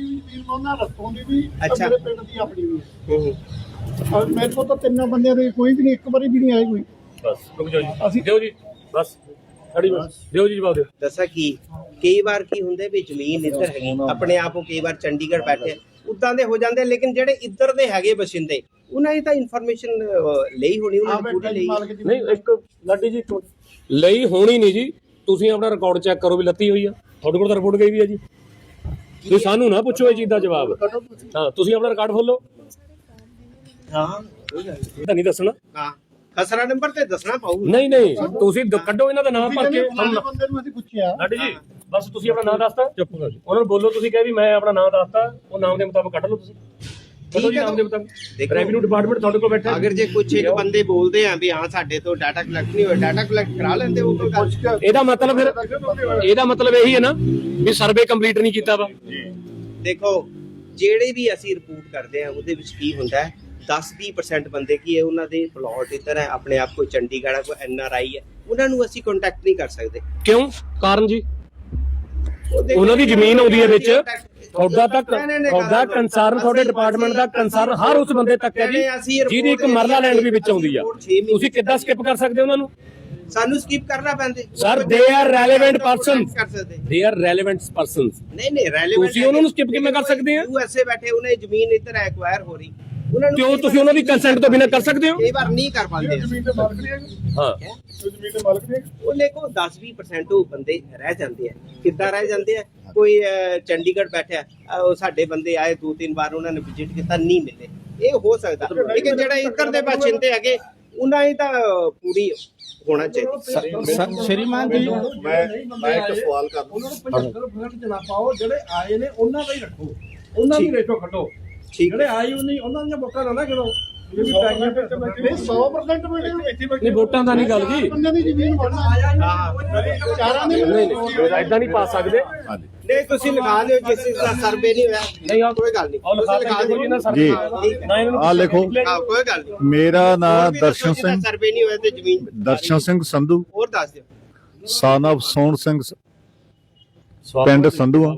ਅੱਛਾ, ਪਿੰਡ ਦੀ ਆਪਣੀ ਵੀ ਮੇਰੇ ਕੋਲ ਤਾਂ 3 ਬੰਦਿਆਂ ਦੇ ਕੋਈ ਵੀ ਨਹੀਂ, ਇੱਕ ਵਾਰੀ ਵੀ ਨਹੀਂ ਆਏ ਕੋਈ। ਬਸ ਰੁਕ ਜਾਓ ਜੀ, ਅਸੀਂ ਦਿਓ ਜੀ, ਬਸ ਖੜੀ ਬਸ ਦਿਓ ਜੀ ਜਵਾਬ ਦਿਓ। ਦੱਸਾਂ ਕੀ ਕਈ ਵਾਰ ਕੀ ਹੁੰਦੇ ਵੀ ਜ਼ਮੀਨ ਇੱਧਰ ਹੈਗੀ, ਆਪਣੇ ਆਪ ਉਹ ਕਈ ਵਾਰ ਚੰਡੀਗੜ੍ਹ ਬੈਠੇ ਉਦਾਂ ਦੇ ਹੋ ਜਾਂਦੇ, ਲੇਕਿਨ ਜਿਹੜੇ ਇੱਧਰ ਦੇ ਹੈਗੇ ਬਸਿੰਦੇ ਉਹਨਾਂ ਦੀ ਤਾਂ ਇਨਫੋਰਮੇਸ਼ਨ ਲਈ ਹੋਣੀ, ਉਹਨਾਂ ਦੀ ਪੂਰੀ ਲਈ ਨਹੀਂ। ਇੱਕ ਲਾਡੀ ਜੀ ਲਈ ਹੋਣੀ ਨਹੀਂ ਜੀ, ਤੁਸੀਂ ਆਪਣਾ ਰਿਕਾਰਡ ਚੈੱਕ ਕਰੋ ਵੀ ਲੱਤੀ ਹੋਈ ਆ, ਤੁਹਾਡੇ ਕੋਲ ਤਾਂ ਰਿਪੋਰਟ ਗਈ ਵੀ ਆ ਜੀ। ਤੁਸੀਂ ਸਾਨੂੰ ਨਾ ਪੁੱਛੋ ਇਹ ਚੀਜ਼ ਦਾ ਜਵਾਬ। ਹਾਂ, ਤੁਸੀਂ ਆਪਣਾ ਰਿਕਾਰਡ ਖੋਲੋ। ਹਾਂ ਤਾਂ ਨਹੀਂ ਦੱਸਣਾ, ਹਾਂ ਖਸਰਾ ਨੰਬਰ ਤੇ ਦੱਸਣਾ ਪਊ। ਨਹੀਂ ਤੁਸੀਂ ਕੱਢੋ ਇਹਨਾਂ ਦਾ ਨਾਮ ਭਰ ਕੇ। ਬੰਦੇ ਨੂੰ ਅਸੀਂ ਪੁੱਛਿਆ ਲਾਡੀ ਜੀ ਬਸ ਤੁਸੀਂ ਆਪਣਾ ਨਾਮ ਦੱਸਤਾ, ਚੁੱਪ ਕਰੋ ਜੀ। ਉਹਨਾਂ ਨੂੰ ਬੋਲੋ, ਤੁਸੀਂ ਕਹੇ ਵੀ ਮੈਂ ਆਪਣਾ ਨਾਮ ਦੱਸਤਾ, ਉਹ ਨਾਮ ਦੇ ਮੁਤਾਬਕ ਕੱਢ ਲਓ ਤੁਸੀਂ। ਠੀਕ ਹੈ, ਨਾਮ ਦੇ ਮੁਤਾਬਕ ਰੈਵਨਿਊ ਡਿਪਾਰਟਮੈਂਟ ਤੁਹਾਡੇ ਕੋਲ ਬੈਠਾ। ਅਗਰ ਜੇ ਕੁਝ ਇੱਕ ਬੰਦੇ ਬੋਲਦੇ ਆ ਵੀ ਹਾਂ ਸਾਡੇ ਤੋਂ ਡਾਟਾ ਕਲੈਕਟ ਨਹੀਂ ਹੋਇਆ, ਡਾਟਾ ਕਲੈਕਟ ਕਰਾ ਲੈਂਦੇ ਉਹ ਕੋਈ ਗੱਲ। ਇਹਦਾ ਮਤਲਬ ਇਹੀ ਹੈ ਨਾ ਵੀ ਸਰਵੇ ਕੰਪਲੀਟ ਨਹੀਂ ਕੀਤਾ ਵਾ। ਦੇਖੋ ਜਿਹੜੇ ਵੀ ਅਸੀਂ ਰਿਪੋਰਟ ਕਰਦੇ ਆ ਉਹਦੇ ਵਿੱਚ ਕੀ ਹੁੰਦਾ ਹੈ, 10-20% ਬੰਦੇ ਕੀ ਹੈ ਉਹਨਾਂ ਦੇ ਪਲਾਟ ਇੱਧਰ ਹੈ, ਆਪਣੇ ਆਪ ਕੋਈ ਚੰਡੀਗੜ੍ਹ ਹੈ, ਕੋਈ NRI ਹੈ, ਉਹਨਾਂ ਨੂੰ ਅਸੀਂ ਕੰਟੈਕਟ ਨਹੀਂ ਕਰ ਸਕਦੇ। ਕਿਉਂ? ਕਾਰਨ ਜੀ ਉਹਨਾਂ ਦੀ ਜ਼ਮੀਨ ਆਉਂਦੀ ਹੈ ਵਿੱਚ, ਤੁਹਾਡਾ ਕੰਸਰਨ, ਤੁਹਾਡੇ ਡਿਪਾਰਟਮੈਂਟ ਦਾ ਕੰਸਰਨ ਹਰ ਉਸ ਬੰਦੇ ਤੱਕ ਹੈ ਜੀ ਜਿਹਦੀ ਇੱਕ ਮਰਲਾ ਲੈਂਡ ਵੀ ਵਿੱਚ ਆਉਂਦੀ ਆ। ਤੁਸੀਂ ਕਿੱਦਾਂ ਸਕਿਪ ਕਰ ਸਕਦੇ ਹੋ ਉਹਨਾਂ ਨੂੰ? ਸਾਨੂੰ ਸਕਿਪ ਕਰਨਾ ਪੈਂਦੇ ਸਰ ਦੇ ਆਰ ਰੈਲੇਵੈਂਟ ਪਰਸਨਸ ਕਰ ਸਕਦੇ ਦੇ ਆਰ ਰੈਲੇਵੈਂਟ ਪਰਸਨਸ ਨਹੀਂ ਰੈਲੇਵੈਂਟ ਤੁਸੀਂ ਉਹਨਾਂ ਨੂੰ skip ਕਿਵੇਂ ਕਰ ਸਕਦੇ ਆ? USA ਬੈਠੇ ਉਹਨੇ ਜ਼ਮੀਨ ਇੱਧਰ ਐਕਵਾਇਰ ਹੋ ਰਹੀ ਉਹਨਾਂ ਕਿਉਂ ਤੁਸੀਂ ਉਹਨਾਂ ਦੀ ਕੰਸੈਂਟ ਤੋਂ ਬਿਨਾਂ ਕਰ ਸਕਦੇ ਹੋ? ਕਈ ਵਾਰ ਨਹੀਂ ਕਰ ਪਾਉਂਦੇ ਜ਼ਮੀਨ ਦੇ ਮਾਲਕ ਨਹੀਂ ਹੈਗੇ, ਹਾਂ ਜ਼ਮੀਨ ਦੇ ਮਾਲਕ ਨਹੀਂ ਹੈਗੇ। ਉਹਨੇ ਕੋ 10-20% ਉਹ ਬੰਦੇ ਰਹਿ ਜਾਂਦੇ ਆ। ਕਿੱਦਾਂ ਰਹਿ ਜਾਂਦੇ ਆ? ਕੋਈ ਚੰਡੀਗੜ੍ਹ ਬੈਠਾ ਉਹ ਸਾਡੇ ਬੰਦੇ ਆਏ 2-3 ਵਾਰ ਉਹਨਾਂ ਨੇ ਵਿਜ਼ਿਟ ਕੀਤਾ ਨਹੀਂ ਮਿਲੇ, ਇਹ ਹੋ ਸਕਦਾ। ਲੇਕਿਨ ਜਿਹੜਾ ਇੱਧਰ ਦੇ ਬਾਸ਼ਿੰਦੇ ਹੈਗੇ ਉਹਨਾਂ ਹੀ ਤਾਂ ਪੂਰੀ ਹੋਣਾ ਚਾਹੀਦਾ। ਸ਼੍ਰੀਮਾਨ ਜੀ ਮੈਂ ਇੱਕ ਸਵਾਲ ਕਰਦਾ ਉਹਨਾਂ ਨੂੰ 75% ਜਨਾ ਪਾਓ, ਜਿਹੜੇ ਆਏ ਨੇ ਉਹਨਾਂ ਦਾ ਹੀ ਰੱਖੋ, ਉਹਨਾਂ ਦੀ ਰੇਟੋ ਖਟੋ। ਠੀਕ ਜਿਹੜੇ ਆਏ ਨਹੀਂ ਉਹਨਾਂ ਦੀਆਂ ਵੋਟਾਂ ਨਾ ਕਰੋ, ਇਹ ਵੀ ਪੈਗੀਆਂ ਫਿਰ ਨਹੀਂ 100% ਮਿਲੇ ਨਹੀਂ ਵੋਟਾਂ ਦਾ ਨਹੀਂ ਗੱਲ ਜੀ, ਬੰਦੇ ਦੀ ਜ਼ਮੀਨ ਬਣਨਾ ਚਾਰਾਂ ਦੇ ਇਦਾਂ ਨਹੀਂ ਪਾ ਸਕਦੇ। ਨਹੀਂ ਤੁਸੀਂ ਲਗਾ ਦਿਓ ਜਿਸ ਚੀਜ਼ ਦਾ ਸਰਵੇ ਨਹੀਂ ਹੋਇਆ ਨਹੀਂ ਆ ਕੋਈ ਗੱਲ ਨਹੀਂ ਉਹ ਲਿਖਾ ਦਿਓ ਜੀ ਨਾ ਸਰ ਜੀ। ਨਾ ਇਹਨਾਂ ਨੂੰ ਆ ਲਿਖੋ। ਹਾਂ ਕੋਈ ਗੱਲ ਨਹੀਂ। ਮੇਰਾ ਨਾਮ ਦਰਸ਼ਨ ਸਿੰਘ ਸਿੰਘ, ਸਰਵੇ ਨਹੀਂ ਹੋਇਆ ਤੇ ਜ਼ਮੀਨ ਦਰਸ਼ਨ ਸਿੰਘ ਸੰਧੂ, ਹੋਰ ਦੱਸ ਦਿਓ। son of ਸੋਹਣ ਸਿੰਘ, ਪਿੰਡ ਸੰਧੂਆਂ,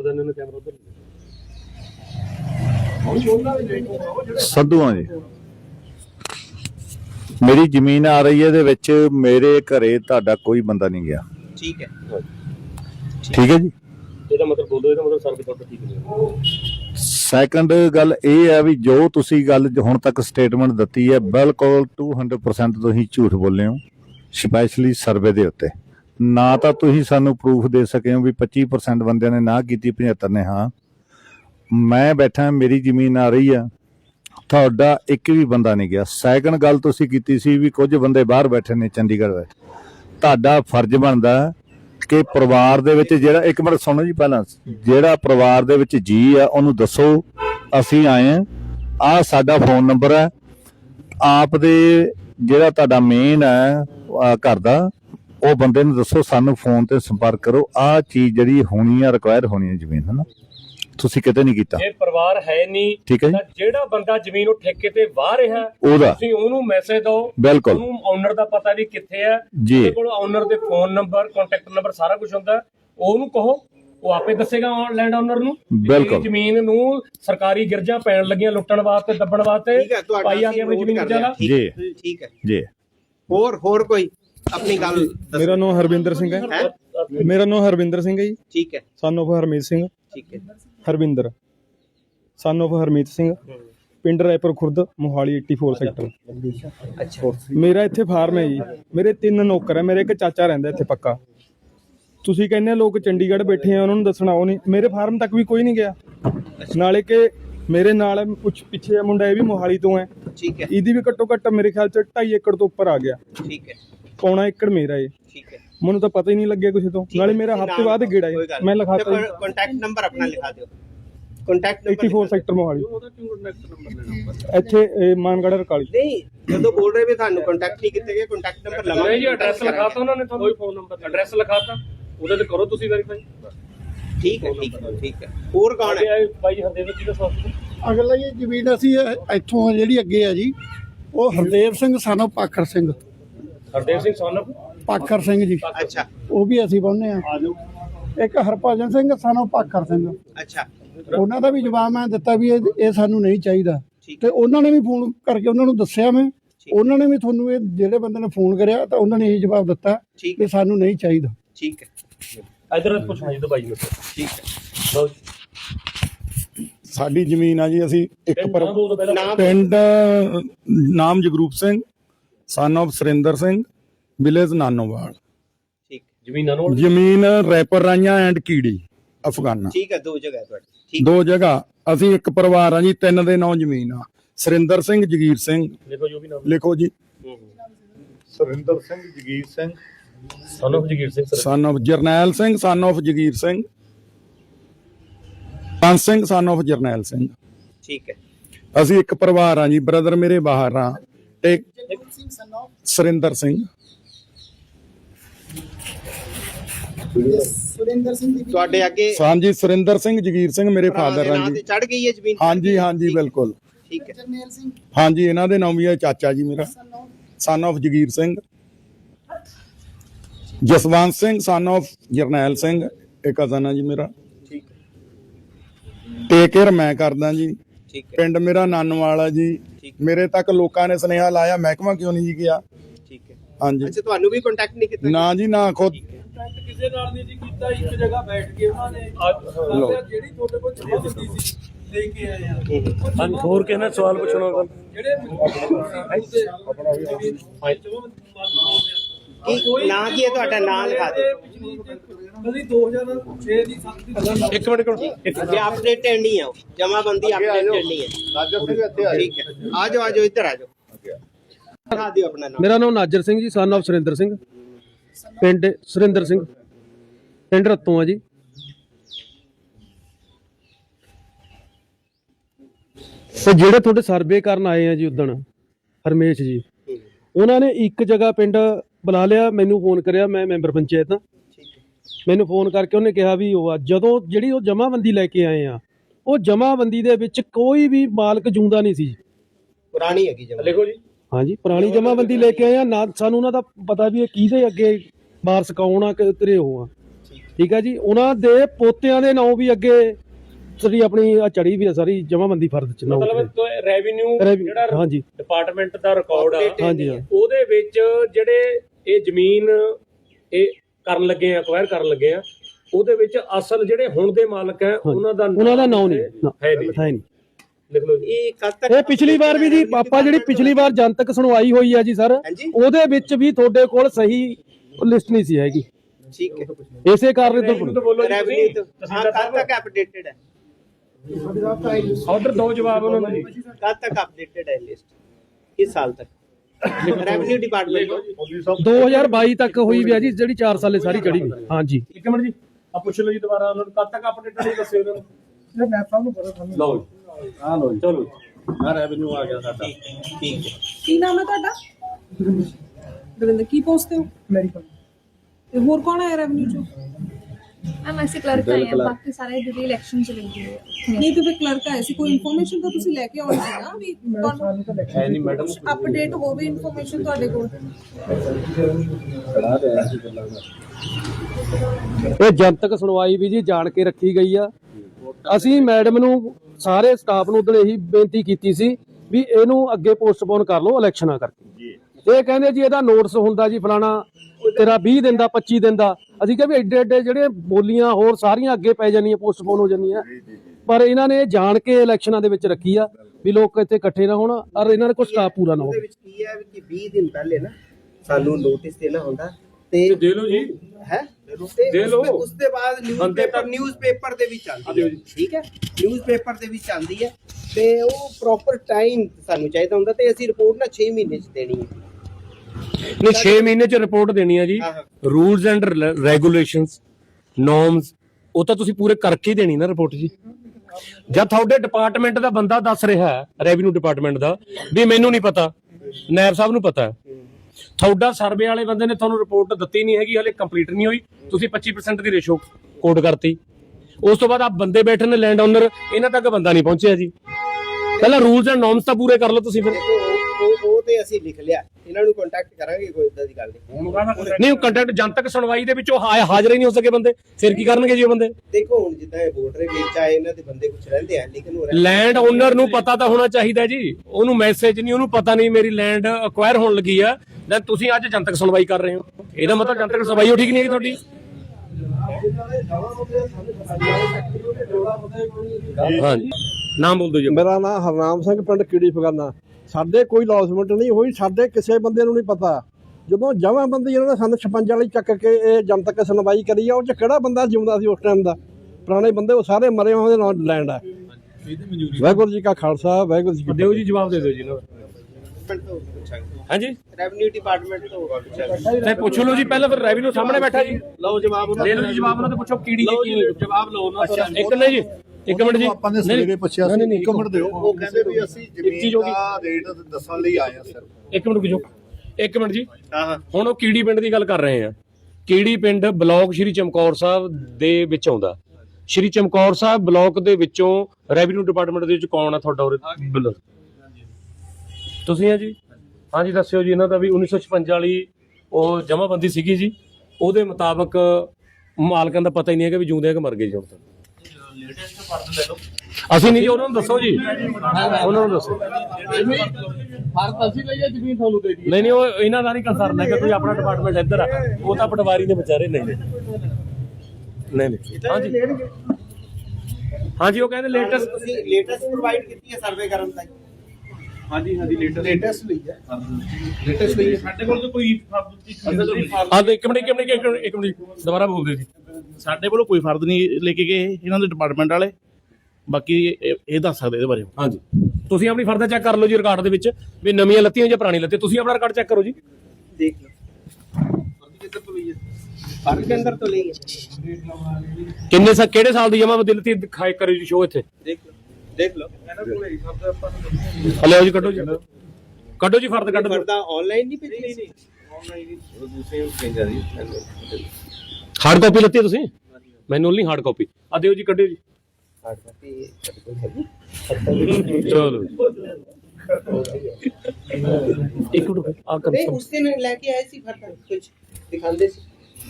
ਸੰਧੂਆਂ ਜੀ। ਮੇਰੀ ਜ਼ਮੀਨ ਆ ਰਹੀ ਹੈ, ਇਹਦੇ ਵਿੱਚ ਮੇਰੇ ਘਰੇ ਤੁਹਾਡਾ ਕੋਈ ਬੰਦਾ ਨਹੀਂ ਗਿਆ। ਠੀਕ ਹੈ ਠੀਕ ਹੈ ਜੀ। ਇਹਦਾ ਮਤਲਬ ਬੋਲੋ, ਇਹਦਾ ਮਤਲਬ ਸਰਵੇ ਤੁਹਾਡਾ ਠੀਕ ਨਹੀਂ। ਸੈਕੰਡ ਗੱਲ ਇਹ ਹੈ ਵੀ ਜੋ ਤੁਸੀਂ ਗੱਲ ਹੁਣ ਤੱਕ ਸਟੇਟਮੈਂਟ ਦਿੱਤੀ ਹੈ ਬਿਲਕੁਲ 200% ਤੁਸੀਂ ਝੂਠ ਬੋਲੇ ਹੋ, ਸਪੈਸ਼ਲੀ ਸਰਵੇ ਦੇ ਉੱਤੇ। ਨਾ ਤਾਂ ਤੁਸੀਂ ਸਾਨੂੰ ਪ੍ਰੂਫ ਦੇ ਸਕੇ ਹੋ ਵੀ 25% ਬੰਦਿਆਂ ਨੇ ਨਾ ਕੀਤੀ, 75 ਨੇ ਹਾਂ। ਮੈਂ ਬੈਠਾ, ਮੇਰੀ ਜ਼ਮੀਨ ਆ ਰਹੀ ਆ, ਤੁਹਾਡਾ ਇੱਕ ਵੀ ਬੰਦਾ ਨਹੀਂ ਗਿਆ। ਸੈਕੰਡ ਗੱਲ ਤੁਸੀਂ ਕੀਤੀ ਸੀ ਵੀ ਕੁਝ ਬੰਦੇ ਬਾਹਰ ਬੈਠੇ ਨੇ ਚੰਡੀਗੜ੍ਹ ਵਿੱਚ। ਤੁਹਾਡਾ ਫਰਜ਼ ਬਣਦਾ ਕਿ ਪਰਿਵਾਰ ਦੇ ਵਿੱਚ ਜਿਹੜਾ, ਇੱਕ ਮਿੰਟ ਸੁਣੋ ਜੀ ਪਹਿਲਾਂ, ਜਿਹੜਾ ਪਰਿਵਾਰ ਦੇ ਵਿੱਚ ਜੀ ਆ ਉਹਨੂੰ ਦੱਸੋ ਅਸੀਂ ਆਏ ਆ, ਆਹ ਸਾਡਾ ਫੋਨ ਨੰਬਰ ਹੈ, ਆਪ ਦੇ ਜਿਹੜਾ ਤੁਹਾਡਾ ਮੇਨ ਹੈ ਘਰ ਦਾ, ਉਹ ਬੰਦੇ ਨੂੰ ਦੱਸੋ ਸਾਨੂੰ ਫੋਨ ਤੇ ਸੰਪਰਕ ਕਰੋ। ਆਹ ਚੀਜ਼ ਜਿਹੜੀ ਹੋਣੀ ਆ, ਰਿਕਵਾਇਰ ਹੋਣੀ ਹੈ ਜ਼ਮੀਨ, ਹੈ ਨਾ। ਤੁਸੀਂ ਕਿਤੇ ਨਹੀਂ ਕੀਤਾ। ਇਹ ਪਰਿਵਾਰ ਹੈ ਨਹੀਂ, ਠੀਕ ਹੈ ਜੀ। ਤਾਂ ਜਿਹੜਾ ਬੰਦਾ ਜ਼ਮੀਨ ਉਹ ਠੇਕੇ ਤੇ ਵਾਹ ਰਿਹਾ ਉਹਦਾ ਤੁਸੀਂ ਉਹਨੂੰ ਮੈਸੇਜ ਦਿਓ, ਬਿਲਕੁਲ ਉਹਨੂੰ ਓਨਰ ਦਾ ਪਤਾ ਵੀ ਕਿੱਥੇ ਹੈ, ਜੀ। ਉਹਦੇ ਕੋਲ ਓਨਰ ਦੇ ਫੋਨ ਨੰਬਰ, ਕੰਟੈਕਟ ਨੰਬਰ ਸਾਰਾ ਕੁਝ ਹੁੰਦਾ ਹੈ। ਉਹਨੂੰ ਕਹੋ, ਉਹ ਆਪੇ ਦੱਸੇਗਾ ਲੈਂਡ ਓਨਰ ਨੂੰ ਵੀ ਬਿਲਕੁਲ। ਤੇਰੀ ਜ਼ਮੀਨ ਨੂੰ ਸਰਕਾਰੀ ਗਿਰਜਾਂ ਪੈਣ ਲੱਗੀਆਂ, ਲੁੱਟਣ ਵਾਸਤੇ, ਦੱਬਣ ਵਾਸਤੇ ਠੀਕ ਹੈ ਤੁਹਾਡਾ ਪਾਈ ਆ ਕੇ ਆਪਣੀ ਜ਼ਮੀਨ ਵਿਚਾਲਾ। ਜੀ ਠੀਕ ਹੈ ਜੀ। ਹੋਰ ਕੋਈ ਆਪਣੀ ਗੱਲ ਮੇਰਾ ਨਾਮ ਹਰਵਿੰਦਰ ਸਿੰਘ ਹੈ। ਹੈ। ਮੇਰਾ ਨਾਮ ਹਰਵਿੰਦਰ ਸਿੰਘ ਹੈ ਜੀ, ਠੀਕ ਹੈ son of ਹਰਮੀਤ ਸਿੰਘ। ਠੀਕ ਹੈ ਹਰਵਿੰਦਰ son of ਹਰਮੀਤ ਸਿੰਘ, ਪਿੰਡ ਰਾਏਪੁਰ ਖੁਰਦ, ਮੋਹਾਲੀ 84 ਸੈਕਟਰ। ਅੱਛਾ ਮੇਰਾ ਇੱਥੇ ਫਾਰਮ ਹੈ ਜੀ, ਮੇਰੇ 3 ਨੌਕਰ ਹੈ, ਮੇਰੇ ਇੱਕ ਚਾਚਾ ਰਹਿੰਦਾ ਇੱਥੇ ਪੱਕਾ। ਤੁਸੀਂ ਕਹਿੰਦੇ ਲੋਕ ਚੰਡੀਗੜ੍ਹ ਬੈਠੇ ਆ, ਉਹਨਾਂ ਨੂੰ ਦੱਸਣਾ ਉਹ ਨਹੀਂ। ਮੇਰੇ ਫਾਰਮ ਤੱਕ ਵੀ ਕੋਈ ਨਹੀਂ ਗਿਆ, ਨਾਲੇ ਕਿ ਮੇਰੇ ਨਾਲ ਕੁਛ ਪਿੱਛੇ ਆ ਮੁੰਡਾ, ਇਹ ਵੀ ਮੋਹਾਲੀ ਤੋਂ ਹੈ। ਠੀਕ ਹੈ ਇਹਦੀ ਵੀ ਘੱਟੋ ਘੱਟ ਮੇਰੇ ਖਿਆਲ ਚ 2.5 ਏਕੜ ਤੋਂ ਉੱਪਰ ਆ ਗਿਆ। ਠੀਕ ਹੈ ਪੌਣਾ ਏਕੜ ਮੇਰਾ ਏ, ਠੀਕ ਹੈ ਮੈਨੂੰ ਤਾਂ ਪਤਾ ਹੀ ਨਹੀਂ ਲੱਗਿਆ ਕਿਸੇ ਤੋਂ। ਨਾਲੇ ਮੇਰਾ ਹਫ਼ਤੇ ਬਾਅਦ ਗੇੜਾ ਏ, ਮੈਂ ਲਿਖਾਤਾ ਜੀ। ਕੰਟੈਕਟ ਨੰਬਰ ਆਪਣਾ ਲਿਖਾ ਦਿਓ। ਕੰਟੈਕਟ 84 ਸੈਕਟਰ ਮੋਹਾਲੀ, ਇੱਥੇ ਇਹ ਮਾਨਗੜ੍ਹ ਰਕਾਲੀ। ਨਹੀਂ ਜਦੋਂ ਬੋਲ ਰਹੇ ਵੀ ਤੁਹਾਨੂੰ ਕੰਟੈਕਟ ਨਹੀਂ ਕੀਤੇ ਗਏ, ਕੰਟੈਕਟ ਨੰਬਰ ਨਹੀਂ ਲਵਾਂਗੇ ਜੀ, ਐਡਰੈਸ ਲਿਖਾਤਾ ਉਹਨਾਂ ਨੇ ਤੁਹਾਨੂੰ, ਕੋਈ ਫੋਨ ਨੰਬਰ ਐਡਰੈਸ ਲਿਖਾਤਾ, ਉਹਦੇ ਤੇ ਕਰੋ ਤੁਸੀਂ ਵੈਰੀਫਾਈ। ਠੀਕ ਹੈ ਠੀਕ ਹੈ ਠੀਕ ਹੈ। ਹੋਰ ਕੌਣ ਹੈ? ਬਾਈ ਹਰਦੇਵ ਜੀ ਦਾ ਸਵਾਲ। ਅਗਲਾ ਇਹ ਜ਼ਮੀਨ ਅਸੀਂ ਇੱਥੋਂ ਜਿਹੜੀ ਅੱਗੇ ਆ ਜੀ, ਉਹ ਹਰਦੇਵ ਸਿੰਘ ਸਾਨੂੰ ਪਾਖਰ ਸਿੰਘ, ਹਰਦੇਵ ਸਿੰਘ ਸੋਨਮ ਪਾਖਰ ਸਿੰਘ ਜੀ, ਅੱਛਾ ਉਹ ਵੀ ਅਸੀਂ ਪਾਉਂਦੇ ਆ। ਇੱਕ ਹਰਭਜਨ ਸਿੰਘ ਸਾਨੂੰ ਪਾਖਰ ਸਿੰਘ, ਅੱਛਾ ਉਹਨਾਂ ਦਾ ਵੀ ਜਵਾਬ ਮੈਂ ਦਿੱਤਾ ਵੀ ਇਹ ਸਾਨੂੰ ਨਹੀਂ ਚਾਹੀਦਾ। ਠੀਕ ਤੇ ਉਹਨਾਂ ਨੇ ਵੀ ਫੋਨ ਕਰਕੇ ਉਹਨਾਂ ਨੂੰ ਦੱਸਿਆ, ਮੈਂ ਉਹਨਾਂ ਨੇ ਵੀ ਤੁਹਾਨੂੰ, ਇਹ ਜਿਹੜੇ ਬੰਦੇ ਨੇ ਫੋਨ ਕਰਿਆ ਤਾਂ ਉਹਨਾਂ ਨੇ ਇਹ ਜਵਾਬ ਦਿੱਤਾ ਠੀਕ ਕਿ ਸਾਨੂੰ ਨਹੀਂ ਚਾਹੀਦਾ। ਠੀਕ ਹੈ ਇਧਰ ਪੁੱਛਣਾ ਜੀ ਬਾਈ ਨੂੰ। ਠੀਕ ਹੈ। ਲਓ ਸਾਡੀ ਜ਼ਮੀਨ ਆ ਜੀ, ਅਸੀਂ ਇੱਕ ਨਾਮ ਬੋਲ ਦਿਓ ਪਹਿਲਾਂ। ਨਾਮ ਪਿੰਡ ਨਾਮ Jagroop Singh, son of Surinder Singh, village Nanowal. ਠੀਕ ਜ਼ਮੀਨਾਂ ਨੂੰ ਜ਼ਮੀਨ ਰੈਪਰ ਰਾਈਆਂ ਐਂਡ ਕੀੜੀ, ਅਫਗਾਨਾ। ਠੀਕ ਹੈ। ਦੋ ਜਗ੍ਹਾ ਤੁਹਾਡੀ। ਠੀਕ ਦੋ ਜਗ੍ਹਾ। ਅਸੀਂ ਇੱਕ ਪਰਿਵਾਰ ਆ ਜੀ, 3 ਦੇ ਨਾਂ ਜ਼ਮੀਨ ਆ। ਸੁਰਿੰਦਰ ਸਿੰਘ, ਜਗੀਰ ਸਿੰਘ। ਲਿਖੋ ਜੋ ਵੀ ਨਾਮ। ਲਿਖੋ ਜੀ। Surinder Singh, Jagir Singh, son of Jagir Singh sir. son of Jarnail Singh, son of Jagir Singh, ਪੰਜ ਸਿੰਘ, son of ਜਰਨੈਲ ਸਿੰਘ। ਠੀਕ ਹੈ। ਅਸੀਂ ਇੱਕ ਪਰਿਵਾਰ ਆ ਜੀ, ਬ੍ਰਦਰ ਮੇਰੇ ਬਾਹਰ ਆ। ਤੇ ਸੁਰਿੰਦਰ ਸਿੰਘ, ਤੁਹਾਡੇ ਅੱਗੇ ਹਾਂਜੀ ਸੁਰਿੰਦਰ ਸਿੰਘ, ਜਗੀਰ ਸਿੰਘ ਮੇਰੇ ਫਾਦਰ ਆ ਨਾਂ ਤੇ ਜੀ। ਚੜ ਗਈ ਹੈ ਜ਼ਮੀਨ? ਹਾਂਜੀ ਹਾਂਜੀ ਬਿਲਕੁਲ। ਠੀਕ ਹੈ। ਹਾਂਜੀ ਇਹਨਾਂ ਦੇ ਨਾਮ ਵੀ ਹੈ, ਚਾਚਾ ਜੀ ਮੇਰਾ, son of Jagir Singh. Jaswant Singh, son of Jarnail Singh, ਇੱਕ ਕਜ਼ਨ ਆ ਜੀ ਮੇਰਾ। ਠੀਕ ਹੈ। ਟੇਕ ਕੇਅਰ ਮੈਂ ਕਰਦਾ ਜੀ। ਠੀਕ ਹੈ। ਪਿੰਡ ਮੇਰਾ ਨਾਨੋਵਾਲ ਆ ਜੀ। ਠੀਕ। ਮੇਰੇ ਤੱਕ ਲੋਕਾਂ ਨੇ ਸੁਨੇਹਾ ਲਾਇਆ, ਮਹਿਕਮਾ ਕਿਉਂ ਨਹੀਂ ਜੀ ਗਿਆ। ਠੀਕ ਹੈ। ਹਾਂਜੀ ਅੱਛਾ, ਤੁਹਾਨੂੰ ਵੀ ਕੰਟੈਕਟ ਨਹੀਂ ਕੀਤਾ? ਨਾ ਜੀ ਨਾ, ਖੁਦ ਕਿਸੇ ਨਾਲ ਨਹੀਂ ਜੀ ਕੀਤਾ, ਇੱਕ ਜਗ੍ਹਾ ਬੈਠ ਕੇ ਉਹਨਾਂ ਨੇ ਜਿਹੜੀ ਤੁਹਾਡੇ ਕੋਲ ਜਮਾਬੰਦੀ ਸੀ ਲੈ ਕੇ ਆਏ ਆ। ਹੋਰ ਕਿਸੇ ਨੇ ਸਵਾਲ ਪੁੱਛਣਾ? ਜਿਹੜੇ ਕੀ ਨਾਂ ਕੀ ਹੈ ਤੁਹਾਡਾ? ਨਾਂ ਲਿਖਾ ਦਿਓ। ਕਦੀ 2006 ਦੀ 7 ਦੀ ਇੱਕ ਮਿੰਟ ये अपडेटेड नहीं है, जमाबंदी अपडेटेड नहीं है। ठीक है, आ जाओ इधर आ जाओ। बता दियो अपना नाम। ਮੇਰਾ ਨਾਮ ਨਾਜਰ ਸਿੰਘ ਜੀ, ਸਨ ਆਫ ਸੁਰਿੰਦਰ ਸਿੰਘ, ਪਿੰਡ ਸੁਰਿੰਦਰ ਸਿੰਘ, ਪਿੰਡ ਰਤੋਂ ਆ ਜੀ। ਤੇ ਜਿਹੜੇ ਤੁਹਾਡੇ ਸਰਵੇ ਕਰਨ ਆਏ ਆ ਜੀ ਉਦਣ ਹਰਮੇਸ਼ ਜੀ, ਉਹਨਾਂ ਨੇ ਇੱਕ ਜਗ੍ਹਾ ਪਿੰਡ ਬੁਲਾ ਲਿਆ, ਮੈਨੂੰ ਫੋਨ ਕਰਿਆ, ਮੈਂ ਮੈਂਬਰ ਪੰਚਾਇਤ ਹਾਂ। ਮੈਨੂੰ ਫੋਨ ਕਰਕੇ ਉਹਨੇ ਕਿਹਾ ਵੀ ਉਹ ਜਦੋਂ ਜਿਹੜੀ ਉਹ ਜਮਾਬੰਦੀ ਲੈ ਕੇ ਆਏ ਆ, ਉਹ ਜਮਾਬੰਦੀ ਦੇ ਵਿੱਚ ਕੋਈ ਵੀ ਮਾਲਕ ਜੂੰਦਾ ਨਹੀਂ ਸੀ। पुरानी है की ਲਿਖੋ ਜੀ। ਹਾਂਜੀ, ਪੁਰਾਣੀ ਜਮਾਬੰਦੀ ਲੈ ਕੇ ਆਏ ਆ ਨਾ, ਸਾਨੂੰ ਉਹਨਾਂ ਦਾ ਪਤਾ ਵੀ ਇਹ ਕਿਹਦੇ ਅੱਗੇ ਵਾਰਸ ਕੌਣ ਆ, ਕਿਧਰੇ ਉਹ ਆ। ਠੀਕ ਆ ਜੀ, ਉਹਨਾਂ ਦੇ ਪੋਤਿਆਂ ਦੇ ਨਾਂ ਵੀ ਅੱਗੇ ਸਾਡੀ ਆਪਣੀ ਆ ਚੜੀ ਵੀ ਆ ਸਾਰੀ ਜਮਾਬੰਦੀ ਫਰਦ ਚ। ਮਤਲਬ ਰੈਵਨਿਊ ਜਿਹੜਾ ਹਾਂਜੀ ਡਿਪਾਰਟਮੈਂਟ ਦਾ ਰਿਕਾਰਡ ਆ, ਹਾਂਜੀ ਉਹਦੇ ਵਿੱਚ ਜਿਹੜੇ ਇਹ ਜ਼ਮੀਨ ਇਹ ਕਰਨ ਲੱਗੇ ਆ, ਅਕਵਾਇਰ ਕਰਨ ਲੱਗੇ ਆ, ਉਹਦੇ ਵਿੱਚ ਅਸਲ ਜਿਹੜੇ ਹੁਣ ਦੇ ਮਾਲਕ ਆ ਉਹਨਾਂ ਦਾ ਨਾਂ ਨਹੀਂ ਹੈ ਨਹੀਂ। लिख लो। ये कब तक? ਇਹ ਪਿਛਲੀ ਵਾਰ ਵੀ ਜੀ ਪਾਪਾ ਜਿਹੜੀ ਪਿਛਲੀ ਵਾਰ ਜਨਤਕ ਸੁਣਵਾਈ ਹੋਈ ਆ ਜੀ ਸਰ, ਉਹਦੇ ਵਿੱਚ ਵੀ ਤੁਹਾਡੇ ਕੋਲ ਸਹੀ ਲਿਸਟ ਨਹੀਂ ਸੀ ਹੈਗੀ। ठीक है, ਇਸੇ ਕਾਰਨ ਤੋਂ रेवेन्यू तो हाँ, कब तक अपडेटेड है? ਆਰਡਰ ਦੋ ਜਵਾਬ ਉਹਨਾਂ ਨੂੰ ਜੀ। कब तक अपडेटेड है लिस्ट? किस साल तक? रेवेन्यू डिपार्टमेंट 2022 ਤੱਕ ਹੋਈ ਵੀ ਆ ਜੀ, ਜਿਹੜੀ 4 ਸਾਲੇ ਸਾਰੀ ਚੜੀ ਵੀ। ਹਾਂਜੀ ਇੱਕ ਮਿੰਟ ਜੀ, ਆ ਪੁੱਛ ਲਓ ਜੀ ਦੁਬਾਰਾ ਉਹਨਾਂ ਨੂੰ ਕਦ ਤੱਕ ਅਪਡੇਟ ਨਹੀਂ ਦੱਸਿਓ ਉਹਨਾਂ ਨੂੰ। ਮੈਂ ਸਭ ਨੂੰ ਪਤਾ ਤੁਹਾਨੂੰ। ਲਓ ਜੀ, ਚਲੋ ਆ ਰੈਵਨਿਊ ਆ ਗਿਆ ਸਾਡਾ। ठीक है। ਕੀ ਨਾਮ ਹੈ ਤੁਹਾਡਾ? ਦਵਿੰਦਰ, ਕੀ ਪੋਸਟ ਤੇ ਹੋ? ਅਮਰੀਕਾ ਤੇ ਹੋਰ ਕੌਣ ਹੈ ਰੈਵਨਿਊ ਚੋਂ? मैम ऐसे क्लर्क आए हैं, बाकी सारे ड्यूटी इलेक्शन से लगी हुई है। ਨਹੀਂ ਤੇ ਫਿਰ ਕਲਰਕ ਆਏ ਸੀ, ਕੋਈ ਇਨਫੋਰਮੇਸ਼ਨ ਤਾਂ ਤੁਸੀਂ ਲੈ ਕੇ ਆਉਣੀ ਸੀ ਨਾ ਵੀ ਤੁਹਾਨੂੰ ਹੈ ਨਹੀਂ ਮੈਡਮ। ਅਪਡੇਟ ਹੋਵੇ ਇਨਫੋਰਮੇਸ਼ਨ ਤੁਹਾਡੇ ਕੋਲ। ਇਹ ਜਨਤਕ ਸੁਣਵਾਈ ਵੀ ਜੀ ਜਾਣ ਕੇ ਰੱਖੀ ਗਈ ਆ। ਅਸੀਂ ਮੈਡਮ ਨੂੰ ਸਾਰੇ ਸਟਾਫ ਨੂੰ ਉਦੋਂ ਇਹੀ ਬੇਨਤੀ ਕੀਤੀ ਸੀ ਵੀ ਇਹਨੂੰ ਅੱਗੇ ਪੋਸਟਪੋਨ ਕਰ ਲਓ ਇਲੈਕਸ਼ਨਾਂ ਕਰਕੇ। ਇਹ ਕਹਿੰਦੇ ਜੀ ਇਹਦਾ ਨੋਟਿਸ ਹੁੰਦਾ ਜੀ ਫਲਾਣਾ ਤੇਰਾ 20 ਦਿਨ ਦਾ 25 ਦਿਨ ਦਾ। ਅਸੀਂ ਕਿਹਾ ਵੀ ਐਡੇ ਐਡੇ ਜਿਹੜੇ ਬੋਲੀਆਂ ਹੋਰ ਸਾਰੀਆਂ ਅੱਗੇ ਪੈ ਜਾਣੀਆਂ, ਪੋਸਟਪੋਨ ਹੋ ਜਾਣੀਆਂ, ਪਰ ਇਹਨਾਂ ਨੇ ਜਾਣ ਕੇ ਇਲੈਕਸ਼ਨਾਂ ਦੇ ਵਿੱਚ ਰੱਖੀ ਆ ਵੀ ਲੋਕ ਇੱਥੇ ਇਕੱਠੇ ਨਾ ਹੋਣ ਔਰ ਇਹਨਾਂ ਦਾ ਕੋਈ ਸਟਾਫ ਪੂਰਾ ਨਾ ਉਹਦੇ ਹੋਵੇ। ਵਿੱਚ ਕੀ ਹੈ ਕਿ 20 ਦਿਨ ਪਹਿਲੇ ਨਾ ਸਾਨੂੰ ਨੋਟਿਸ ਦੇਣਾ ਹੁੰਦਾ ਤੇ ਦੇ ਲਓ ਜੀ, ਹੈ ਦੇ ਲਓ। ਉਸ ਦੇ ਬਾਅਦ ਨਿਊਜ਼ਪੇਪਰ ਦੇ ਵਿੱਚ ਆਉਂਦੀ ਹੈ। ਠੀਕ ਹੈ, ਨਿਊਜ਼ਪੇਪਰ ਦੇ ਵਿੱਚ ਆਉਂਦੀ ਹੈ ਤੇ ਉਹ ਪ੍ਰੋਪਰ ਟਾਈਮ ਸਾਨੂੰ ਚਾਹੀਦਾ ਹੁੰਦਾ ਤੇ ਅਸੀਂ ਰਿਪੋਰਟ ਨਾ 6 ਮਹੀਨੇ ਚ ਦੇਣੀ ਹੈ। ਨਹੀਂ 6 ਮਹੀਨੇ ਚ ਰਿਪੋਰਟ ਦੇਣੀ ਆ ਜੀ। ਰੂਲਸ ਐਂਡ ਰੈਗੂਲੇਸ਼ਨਸ, ਨੋਰਮਸ, ਉਹ ਤਾਂ ਤੁਸੀਂ ਪੂਰੇ ਕਰਕੇ ਹੀ ਦੇਣੀ ਨਾ ਰਿਪੋਰਟ ਜੀ। ਜਦ ਤੁਹਾਡੇ ਡਿਪਾਰਟਮੈਂਟ ਦਾ ਬੰਦਾ ਦੱਸ ਰਿਹਾ ਹੈ, ਰੈਵਨਿਊ ਡਿਪਾਰਟਮੈਂਟ ਦਾ, ਵੀ ਮੈਨੂੰ ਨਹੀਂ ਪਤਾ, ਨਾਇਬ ਸਾਹਿਬ ਨੂੰ ਪਤਾ ਹੈ, ਤੁਹਾਡਾ ਸਰਵੇ ਵਾਲੇ ਬੰਦੇ ਨੇ ਤੁਹਾਨੂੰ ਰਿਪੋਰਟ ਦਿੱਤੀ ਨਹੀਂ ਹੈਗੀ, ਹਲੇ ਕੰਪਲੀਟ ਨਹੀਂ ਹੋਈ, ਤੁਸੀਂ 25% ਦੀ ਰੇਸ਼ੋ ਕੋਡ ਕਰਤੀ। ਉਸ ਤੋਂ ਬਾਅਦ ਆ ਬੰਦੇ ਬੈਠੇ ਨੇ ਲੈਂਡ ਓਨਰ, ਇਹਨਾਂ ਤੱਕ ਬੰਦਾ ਨਹੀਂ ਪਹੁੰਚਿਆ ਜੀ। ਪਹਿਲਾਂ ਰੂਲਸ ਐਂਡ ਨੋਰਮਸ ਤਾਂ ਪੂਰੇ ਕਰ ਲਓ ਤੁਸੀਂ। ਫਿਰ ਉਹ ਤੇ ਅਸੀਂ ਲਿਖ ਲਿਆ, ਇਹਨਾਂ ਨੂੰ ਕੰਟੈਕਟ ਕਰਾਂਗੇ, ਕੋਈ ਇਦਾਂ ਦੀ ਗੱਲ ਨਹੀਂ। ਨਹੀਂ, ਕੰਟੈਕਟ ਜਨਤਕ ਸੁਣਵਾਈ ਦੇ ਵਿੱਚ ਉਹ ਹਾਜ਼ਰ ਹੀ ਨਹੀਂ ਹੋ ਸਕੇ ਬੰਦੇ, ਫਿਰ ਕੀ ਕਰਨਗੇ ਜੀ ਉਹ ਬੰਦੇ? ਦੇਖੋ ਹੁਣ ਜਿੱਦਾਂ ਇਹ ਵੋਟਰ ਵਿੱਚ ਆਏ, ਇਹਨਾਂ ਦੇ ਬੰਦੇ ਕੁਝ ਰਹਿੰਦੇ ਆ, ਲੇਕਿਨ ਉਹ ਲੈਂਡ ਓਨਰ ਨੂੰ ਪਤਾ ਤਾਂ ਹੋਣਾ ਚਾਹੀਦਾ ਜੀ। ਉਹਨੂੰ ਮੈਸੇਜ ਨਹੀਂ, ਉਹਨੂੰ ਪਤਾ ਨਹੀਂ ਮੇਰੀ ਲੈਂਡ ਅਕਵਾਇਰ ਹੋਣ ਲੱਗੀ ਆ, ਦੈਨ ਤੁਸੀਂ ਅੱਜ ਜਨਤਕ ਸੁਣਵਾਈ ਕਰ ਰਹੇ ਹੋ, ਇਹਦਾ ਮਤਲਬ ਜਨਤਕ ਸੁਣਵਾਈ ਉਹ ਠੀਕ ਨਹੀਂ ਹੈਗੀ ਤੁਹਾਡੀ। ਹਾਂਜੀ, ਨਾਮ ਬੋਲ ਦਿਓ ਜੀ। ਮੇਰਾ ਨਾਮ ਹਰਨਾਮ ਸਿੰਘ, ਪਿੰਡ ਕੀੜੀ ਫਗਾਨਾ। ਸਾਡੇ ਕੋਈ ਲੌਸਮੈਂਟ ਨਹੀਂ ਹੋਈ, ਸਾਡੇ ਕਿਸੇ ਬੰਦੇ ਨੂੰ ਨਹੀਂ ਪਤਾ। ਜਦੋਂ ਜਮਾਬੰਦੀ ਇਹਨਾਂ ਨੇ ਸਾਨੂੰ 56 ਵਾਲੀ ਚੱਕ ਕੇ ਇਹ ਜਨਤਕ ਸੁਣਵਾਈ ਕਰੀ ਆ, ਉਹ 'ਚ ਕਿਹੜਾ ਬੰਦਾ ਜਿਉਂਦਾ ਸੀ ਉਸ ਟਾਈਮ ਦਾ? ਪੁਰਾਣੇ ਬੰਦੇ ਉਹ ਸਾਰੇ ਮਰੇ ਹੋਏ ਨਾਲ ਲੈਂਡ ਹੈ। ਵਾਹਿਗੁਰੂ ਜੀ ਕਾ ਖਾਲਸਾ, ਵਾਹਿਗੁਰੂ ਜੀ ਕੀ ਦਿਓ ਜੀ, ਜਵਾਬ ਦੇ ਦਿਓ ਜੀ। ਹਾਂਜੀ, ਰੈਵਨਿਊ ਡਿਪਾਰਟਮੈਂਟ ਤੋਂ ਪੁੱਛਾਂਗੇ। ਤੇ ਪੁੱਛ ਲਓ ਜੀ ਪਹਿਲਾਂ, ਫਿਰ ਰੈਵਨਿਊ ਸਾਹਮਣੇ ਬੈਠਾ ਜੀ। ਲਓ ਜਵਾਬ, ਲੈ ਲਓ ਜੀ ਜਵਾਬ ਉਹਨਾਂ ਤੋਂ, ਪੁੱਛੋ ਕੀੜੀ ਦੀ ਕੀ ਜਵਾਬ ਲਓ ਉਹਨਾਂ ਤੋਂ। ਇੱਕ ਨਹੀਂ ਜੀ, ਇੱਕ ਮਿੰਟ ਜੀ, ਆਪਾਂ ਨੇ ਸਵੇਰੇ ਪੁੱਛਿਆ ਸੀ, ਇੱਕ ਮਿੰਟ ਦਿਓ। ਉਹ ਕਹਿੰਦੇ ਵੀ ਅਸੀਂ ਜ਼ਮੀਨ ਦਾ ਰੇਟ ਦੱਸਣ ਲਈ ਆਏ ਆ ਸਰ। ਇੱਕ ਮਿੰਟ ਪੁੱਛੋ, ਇੱਕ ਮਿੰਟ ਜੀ। ਹਾਂ, ਹੁਣ ਉਹ ਕੀੜੀ ਪਿੰਡ ਦੀ ਗੱਲ ਕਰ ਰਹੇ ਆ। ਕੀੜੀ ਪਿੰਡ ਬਲਾਕ ਸ਼੍ਰੀ ਚਮਕੌਰ ਸਾਹਿਬ ਦੇ ਵਿੱਚ ਆਉਂਦਾ। ਸ਼੍ਰੀ ਚਮਕੌਰ ਸਾਹਿਬ ਬਲਾਕ ਦੇ ਵਿੱਚੋਂ ਰੈਵਨਿਊ ਡਿਪਾਰਟਮੈਂਟ ਦੇ ਵਿੱਚ ਕੌਣ ਆ ਤੁਹਾਡਾ ਉਰੇ? ਤੁਸੀਂ ਆ ਜੀ? ਹਾਂਜੀ, ਦੱਸਿਓ ਜੀ। ਇਹਨਾਂ ਦਾ ਵੀ 1956 ਵਾਲੀ ਉਹ ਜਮਾਬੰਦੀ ਸੀਗੀ ਜੀ, ਉਹਦੇ ਮੁਤਾਬਕ ਮਾਲਕਾਂ ਦਾ ਪਤਾ ਹੀ ਨਹੀਂ ਹੈਗਾ ਵੀ ਜਿਉਂਦੇ ਆ ਕਿ ਮਰ ਗਏ ਜੀ। ਹੁਣ ਤਾਂ ਅਸੀਂ ਨਹੀਂ ਜੀ, ਉਹਨਾਂ ਨੂੰ ਦੱਸੋ ਜੀ, ਉਹਨਾਂ ਨੂੰ ਦੱਸੋ। ਫਰਕ ਅਸੀਂ ਲਈਏ ਜ਼ਮੀਨ ਤੁਹਾਨੂੰ ਦੇ ਦਈਏ। ਨਹੀਂ ਉਹ ਇਹਨਾਂ ਦਾ ਨਹੀਂ ਕੰਸਰਨ ਹੈ ਕਿ ਕੋਈ ਆਪਣਾ ਡਿਪਾਰਟਮੈਂਟ ਇੱਧਰ ਆ, ਉਹ ਤਾਂ ਪਟਵਾਰੀ ਨੇ ਵਿਚਾਰੇ। ਨਹੀਂ ਹਾਂਜੀ ਹਾਂਜੀ, ਉਹ ਕਹਿੰਦੇ ਤੁਸੀਂ ਲੇਟੈਸਟ ਪ੍ਰੋਵਾਈਡ ਕੀਤੀ ਹੈ ਸਰਵੇ ਕਰਨ ਦਾ? ਹਾਂਜੀ ਲੇਟੈਸਟ ਲਈ ਹੈ। ਸਾਡੇ ਕੋਲ ਤਾਂ ਕੋਈ ਹਾਂ ਇੱਕ ਮਿੰਟ ਦੁਬਾਰਾ ਬੋਲਦੇ ਜੀ। ਸਾਡੇ ਕੋਲ ਕੋਈ ਫਰਦ ਨਹੀਂ ਲੈ ਕੇ ਗਏ ਇਹਨਾਂ ਦੇ ਡਿਪਾਰਟਮੈਂਟ ਵਾਲੇ, ਬਾਕੀ ਇਹ ਦੱਸ ਸਕਦੇ ਇਹਦੇ ਬਾਰੇ। ਹਾਂਜੀ ਤੁਸੀਂ ਆਪਣੀ ਫਰਦਾ ਚੈੱਕ ਕਰ ਲਓ ਜੀ ਰਿਕਾਰਡ ਦੇ ਵਿੱਚ, ਵੀ ਨਵੀਆਂ ਲੱਤੀਆਂ ਜਾਂ ਪੁਰਾਣੀ ਲੱਤੀ। ਤੁਸੀਂ ਆਪਣਾ ਰਿਕਾਰਡ ਚੈੱਕ ਕਰੋ ਜੀ, ਦੇਖ ਲਓ ਫਰਕ ਦੇ ਅੰਦਰ ਤੋਂ ਲਈ ਹੈ। ਕਿਹੜੇ ਸਾਲ ਦੀ ਜਮਾ ਦਿੱਤੀ ਦਿਖਾਏ ਕਰਿਓ ਜੀ, ਸ਼ੋ ਇੱਥੇ ਦੇਖ ਲਓ ਲਿਓ ਜੀ, ਕੱਢੋ ਜੀ ਫਰਦ ਕੱਢ ਦਿਓ। ਫਰਦਾ ਆਨਲਾਈਨ ਨਹੀਂ ਭੇਜੀ? ਹਾਰਡ ਕਾਪੀ ਲੱਤੀ ਤੁਸੀਂ? ਮੈਨੂੰ ਨਹੀਂ ਹਾਰਡ ਕਾਪੀ ਆ ਦਿਓ ਜੀ, ਕੱਢਿਓ ਜੀ। ਚਲੋ ਇੱਕ ਮਿੰਟ ਆ ਕਰ ਨਹੀਂ, ਉਸ ਦਿਨ ਲੈ ਕੇ ਆਏ ਸੀ ਫਰਦਾ ਕੁਝ ਦਿਖਾਉਂਦੇ ਸੀ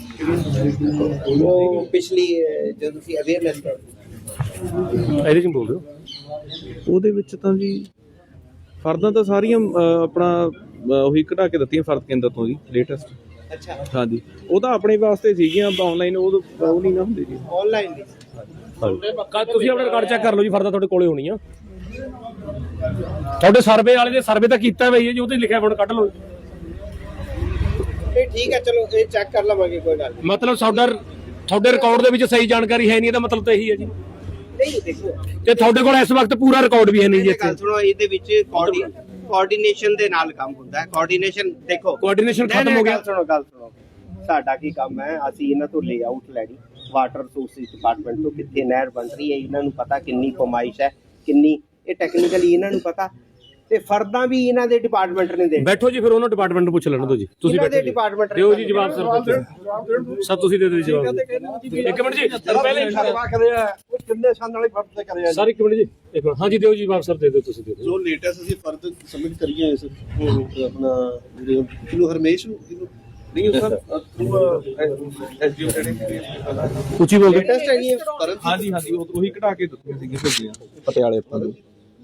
ਉਹ ਪਿਛਲੀ ਜਦੋਂ ਤੁਸੀਂ ਅਵੇਅਰਨੈਸ ਇਹਦੇ ਚ ਬੋਲ ਦਿਓ। ਉਹਦੇ ਵਿੱਚ ਤਾਂ ਜੀ ਫਰਦਾਂ ਤਾਂ ਸਾਰੀਆਂ ਆਪਣਾ ਉਹੀ ਕਢਾ ਕੇ ਦਿੱਤੀਆਂ ਫਰਦ ਕੇਂਦਰ ਤੋਂ ਜੀ ਲੇਟੈਸਟ। ਅੱਛਾ ਹਾਂਜੀ, ਉਹ ਤਾਂ ਆਪਣੇ ਵਾਸਤੇ ਸੀਗੀਆਂ, ਆਨਲਾਈਨ ਉਹ ਨਹੀਂ ਨਾ ਹੁੰਦੀ ਜੀ। ਆਨਲਾਈਨ ਦੀ ਤੁਸੀਂ ਆਪਣਾ ਰਿਕਾਰਡ ਚੈੱਕ ਕਰ ਲਓ ਜੀ, ਫਰਦਾ ਤੁਹਾਡੇ ਕੋਲੇ ਹੋਣੀ ਆ। ਤੁਹਾਡੇ ਸਰਵੇ ਵਾਲੇ ਦੇ ਸਰਵੇ ਤਾਂ ਕੀਤਾ ਬਈ ਜੀ, ਉਹਦੇ ਲਿਖਿਆ ਫੋਨ ਕੱਢ ਲਓ। ਇਹ ਠੀਕ ਹੈ, ਚਲੋ ਇਹ ਚੈੱਕ ਕਰ ਲਵਾਂਗੇ, ਕੋਈ ਗੱਲ ਮਤਲਬ ਤੁਹਾਡੇ ਰਿਕਾਰਡ ਦੇ ਵਿੱਚ ਸਹੀ ਜਾਣਕਾਰੀ ਹੈ ਨਹੀਂ, ਇਹਦਾ ਮਤਲਬ ਤਾਂ ਇਹੀ ਹੈ ਜੀ। ਨਹੀਂ। ਦੇਖੋ ਤੇ ਤੁਹਾਡੇ ਕੋਲ ਇਸ ਵਕਤ ਪੂਰਾ ਰਿਕਾਰਡ ਵੀ ਹੈ ਨਹੀਂ ਜੀ ਇੱਥੇ। ਗੱਲ ਸੁਣੋ, ਇਹਦੇ ਵਿੱਚ ਕੋਆਰਡੀਨੇਸ਼ਨ ਦੇ ਨਾਲ ਕੰਮ ਹੁੰਦਾ ਹੈ। ਕੋਆਰਡੀਨੇਸ਼ਨ ਦੇਖੋ, ਕੋਆਰਡੀਨੇਸ਼ਨ ਖਤਮ ਹੋ ਗਿਆ। ਗੱਲ ਸੁਣੋ, ਸਾਡਾ ਕੀ ਕੰਮ ਹੈ, ਅਸੀਂ ਇਹਨਾਂ ਤੋਂ ਲੇਆਊਟ ਲੈਣੀ, ਵਾਟਰ ਰਿਸੋਰਸਿਸ ਡਿਪਾਰਟਮੈਂਟ ਤੋਂ ਕਿੱਥੇ ਨਹਿਰ ਬਣ ਰਹੀ ਹੈ, ਇਹਨਾਂ ਨੂੰ ਪਤਾ ਕਿੰਨੀ ਕਮਾਇਸ਼ ਹੈ, ਕਿੰਨੀ ਇਹ ਟੈਕਨੀਕਲੀ ਇਹਨਾਂ ਨੂੰ ਪਤਾ, ਤੇ ਫਰਦਾਂ ਵੀ ਇਹਨਾਂ ਦੇ ਡਿਪਾਰਟਮੈਂਟ ਨੇ ਦੇ। ਬੈਠੋ ਜੀ, ਫਿਰ ਉਹਨਾਂ ਡਿਪਾਰਟਮੈਂਟ ਨੂੰ ਪੁੱਛ ਲੈਣ ਦਿਓ ਜੀ। ਤੁਸੀਂ ਬੈਠੋ ਡਿਪਾਰਟਮੈਂਟ ਦਿਓ ਜੀ ਜਵਾਬ ਸਰ ਤੁਸੀਂ ਦੇ ਦਿਓ ਜਵਾਬ। ਇੱਕ ਮਿੰਟ ਜੀ, ਪਹਿਲੇ ਕਿੰਨੇ ਸਾਲ ਵਾਲੇ ਫਰਦ ਤੇ ਕਰਿਆ ਸਰ, ਇੱਕ ਮਿੰਟ ਜੀ, ਇੱਕ ਮਿੰਟ। ਹਾਂਜੀ ਦਿਓ ਜੀ ਜਵਾਬ ਸਰ, ਦੇ ਦਿਓ ਤੁਸੀਂ ਦੇ ਦਿਓ। ਜੋ ਲੇਟੈਸਟ ਅਸੀਂ ਫਰਦ ਸਬਮਿਟ ਕਰੀਏ ਸਰ, ਉਹ ਆਪਣਾ ਕਿਲੋ ਹਰਮੇਸ਼ ਨੂੰ ਨਹੀਂ ਸਰ ਐਸਡੀਓ ਉੱਚੀ ਬੋਲ ਦਿਓ। ਟੈਸਟ ਹੈਗੀ ਹਾਂਜੀ ਉਹੀ ਕਢਾ ਕੇ ਦਿੱਤੀਆਂ ਸੀਗੀਆਂ ਭੇਜੀਆਂ ਪਟਿਆਲੇ ਆਪਾਂ ਨੂੰ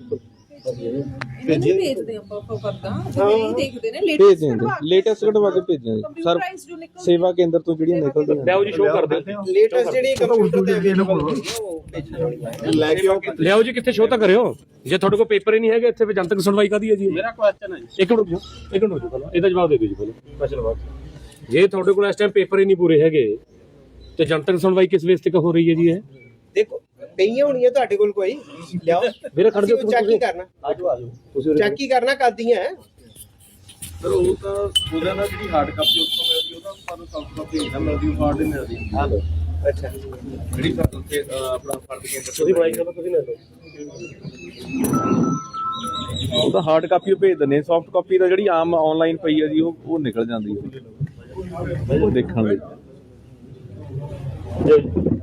ਭੇਜਦੇ ਆਪਾਂ ਫਰਦਾ ਨਹੀਂ ਦੇਖਦੇ ਨੇ ਭੇਜ ਦਿੰਦੇ ਲੇਟੈਸਟ ਕਢਵਾ ਕੇ ਭੇਜਿਆ ਜੀ ਸਰ। ਸੇਵਾ ਕੇਂਦਰ ਤੋਂ ਜਿਹੜੀਆਂ ਨਿਕਲਦੀਆਂ ਲਿਆਓ ਜੀ, ਸ਼ੋਅ ਕਰ ਦਿਓ। ਲੇਟੈਸਟ ਜਿਹੜੀ ਕੰਪਿਊਟਰ ਤੇ ਅਵੇਲੇਬਲ ਹੁੰਦੀ ਹੈ ਉਹ ਭੇਜਣੀ ਲੈ ਕੇ ਆਓ। ਲਿਆਓ ਜੀ, ਕਿੱਥੇ ਸ਼ੋਅ ਤਾਂ ਕਰਿਓ। ਜੇ ਤੁਹਾਡੇ ਕੋਲ ਪੇਪਰ ਹੀ ਨਹੀਂ ਹੈਗੇ ਇੱਥੇ, ਜਨਤਕ ਸੁਣਵਾਈ ਕਾਹਦੀ ਹੈ ਜੀ? ਮੇਰਾ ਕੁਐਸਚਨ ਹੈ ਜੀ। ਇੱਕ ਮਿੰਟ ਹੋ ਜਾਓ ਪਹਿਲਾਂ, ਇਹਦਾ ਜਵਾਬ ਦੇ ਦਿਓ ਜੀ ਪਹਿਲਾਂ ਕੁਐਸਚਨ ਬਾਅਦ। ਜੇ ਤੁਹਾਡੇ ਕੋਲ ਇਸ ਟਾਈਮ ਪੇਪਰ ਹੀ ਨਹੀਂ ਪੂਰੇ ਹੈਗੇ ਤੇ ਜਨਤਕ ਸੁਣਵਾਈ ਕਿਸ ਵੇਸ ਤੇ ਹੋ ਰਹੀ ਹੈ ਜੀ? ਇਹ ਦੇਖੋ ਪਈਆਂ ਹੋਣੀਆਂ ਤੁਹਾਡੇ ਕੋਲ, ਕੋਈ ਲਿਆਓ ਵੀਰੇ ਖੜ ਜਾਓ, ਚੈੱਕ ਹੀ ਕਰਨਾ। ਤੁਸੀਂ ਚੈੱਕ ਹੀ ਕਰਨਾ ਕਰਦੀਆਂ ਹੈ ਸਰ। ਉਹ ਤਾਂ ਉਹਦਾ ਨਾਲ ਜਿਹੜੀ ਹਾਰਡ ਕਾਪੀ ਉੱਥੋਂ ਮਿਲਦੀ, ਉਹਦਾ ਸਾਨੂੰ ਸੌਫਟ ਕਾਪੀ ਨਹੀਂ ਮਿਲਦੀ, ਉਹ ਹਾਰਡ ਹੀ ਮਿਲਦੀ। ਅੱਛਾ, ਜਿਹੜੀ ਫਰਦ ਤੇ ਆਪਣਾ ਫਰਦ ਕੇਂਦਰ ਤੁਸੀਂ ਬਣਾਈ ਚਲੋ, ਤੁਸੀਂ ਲੈ ਲਓ। ਉਹ ਤਾਂ ਹਾਰਡ ਕਾਪੀ ਉਹ ਭੇਜ ਦਿੰਦੇ, ਸੌਫਟ ਕਾਪੀ ਦਾ ਜਿਹੜੀ ਆਮ ਆਨਲਾਈਨ ਪਈ ਹੈ ਜੀ ਉਹ ਨਿਕਲ ਜਾਂਦੀ ਹੈ ਉਹ ਦੇਖਣ ਲਈ।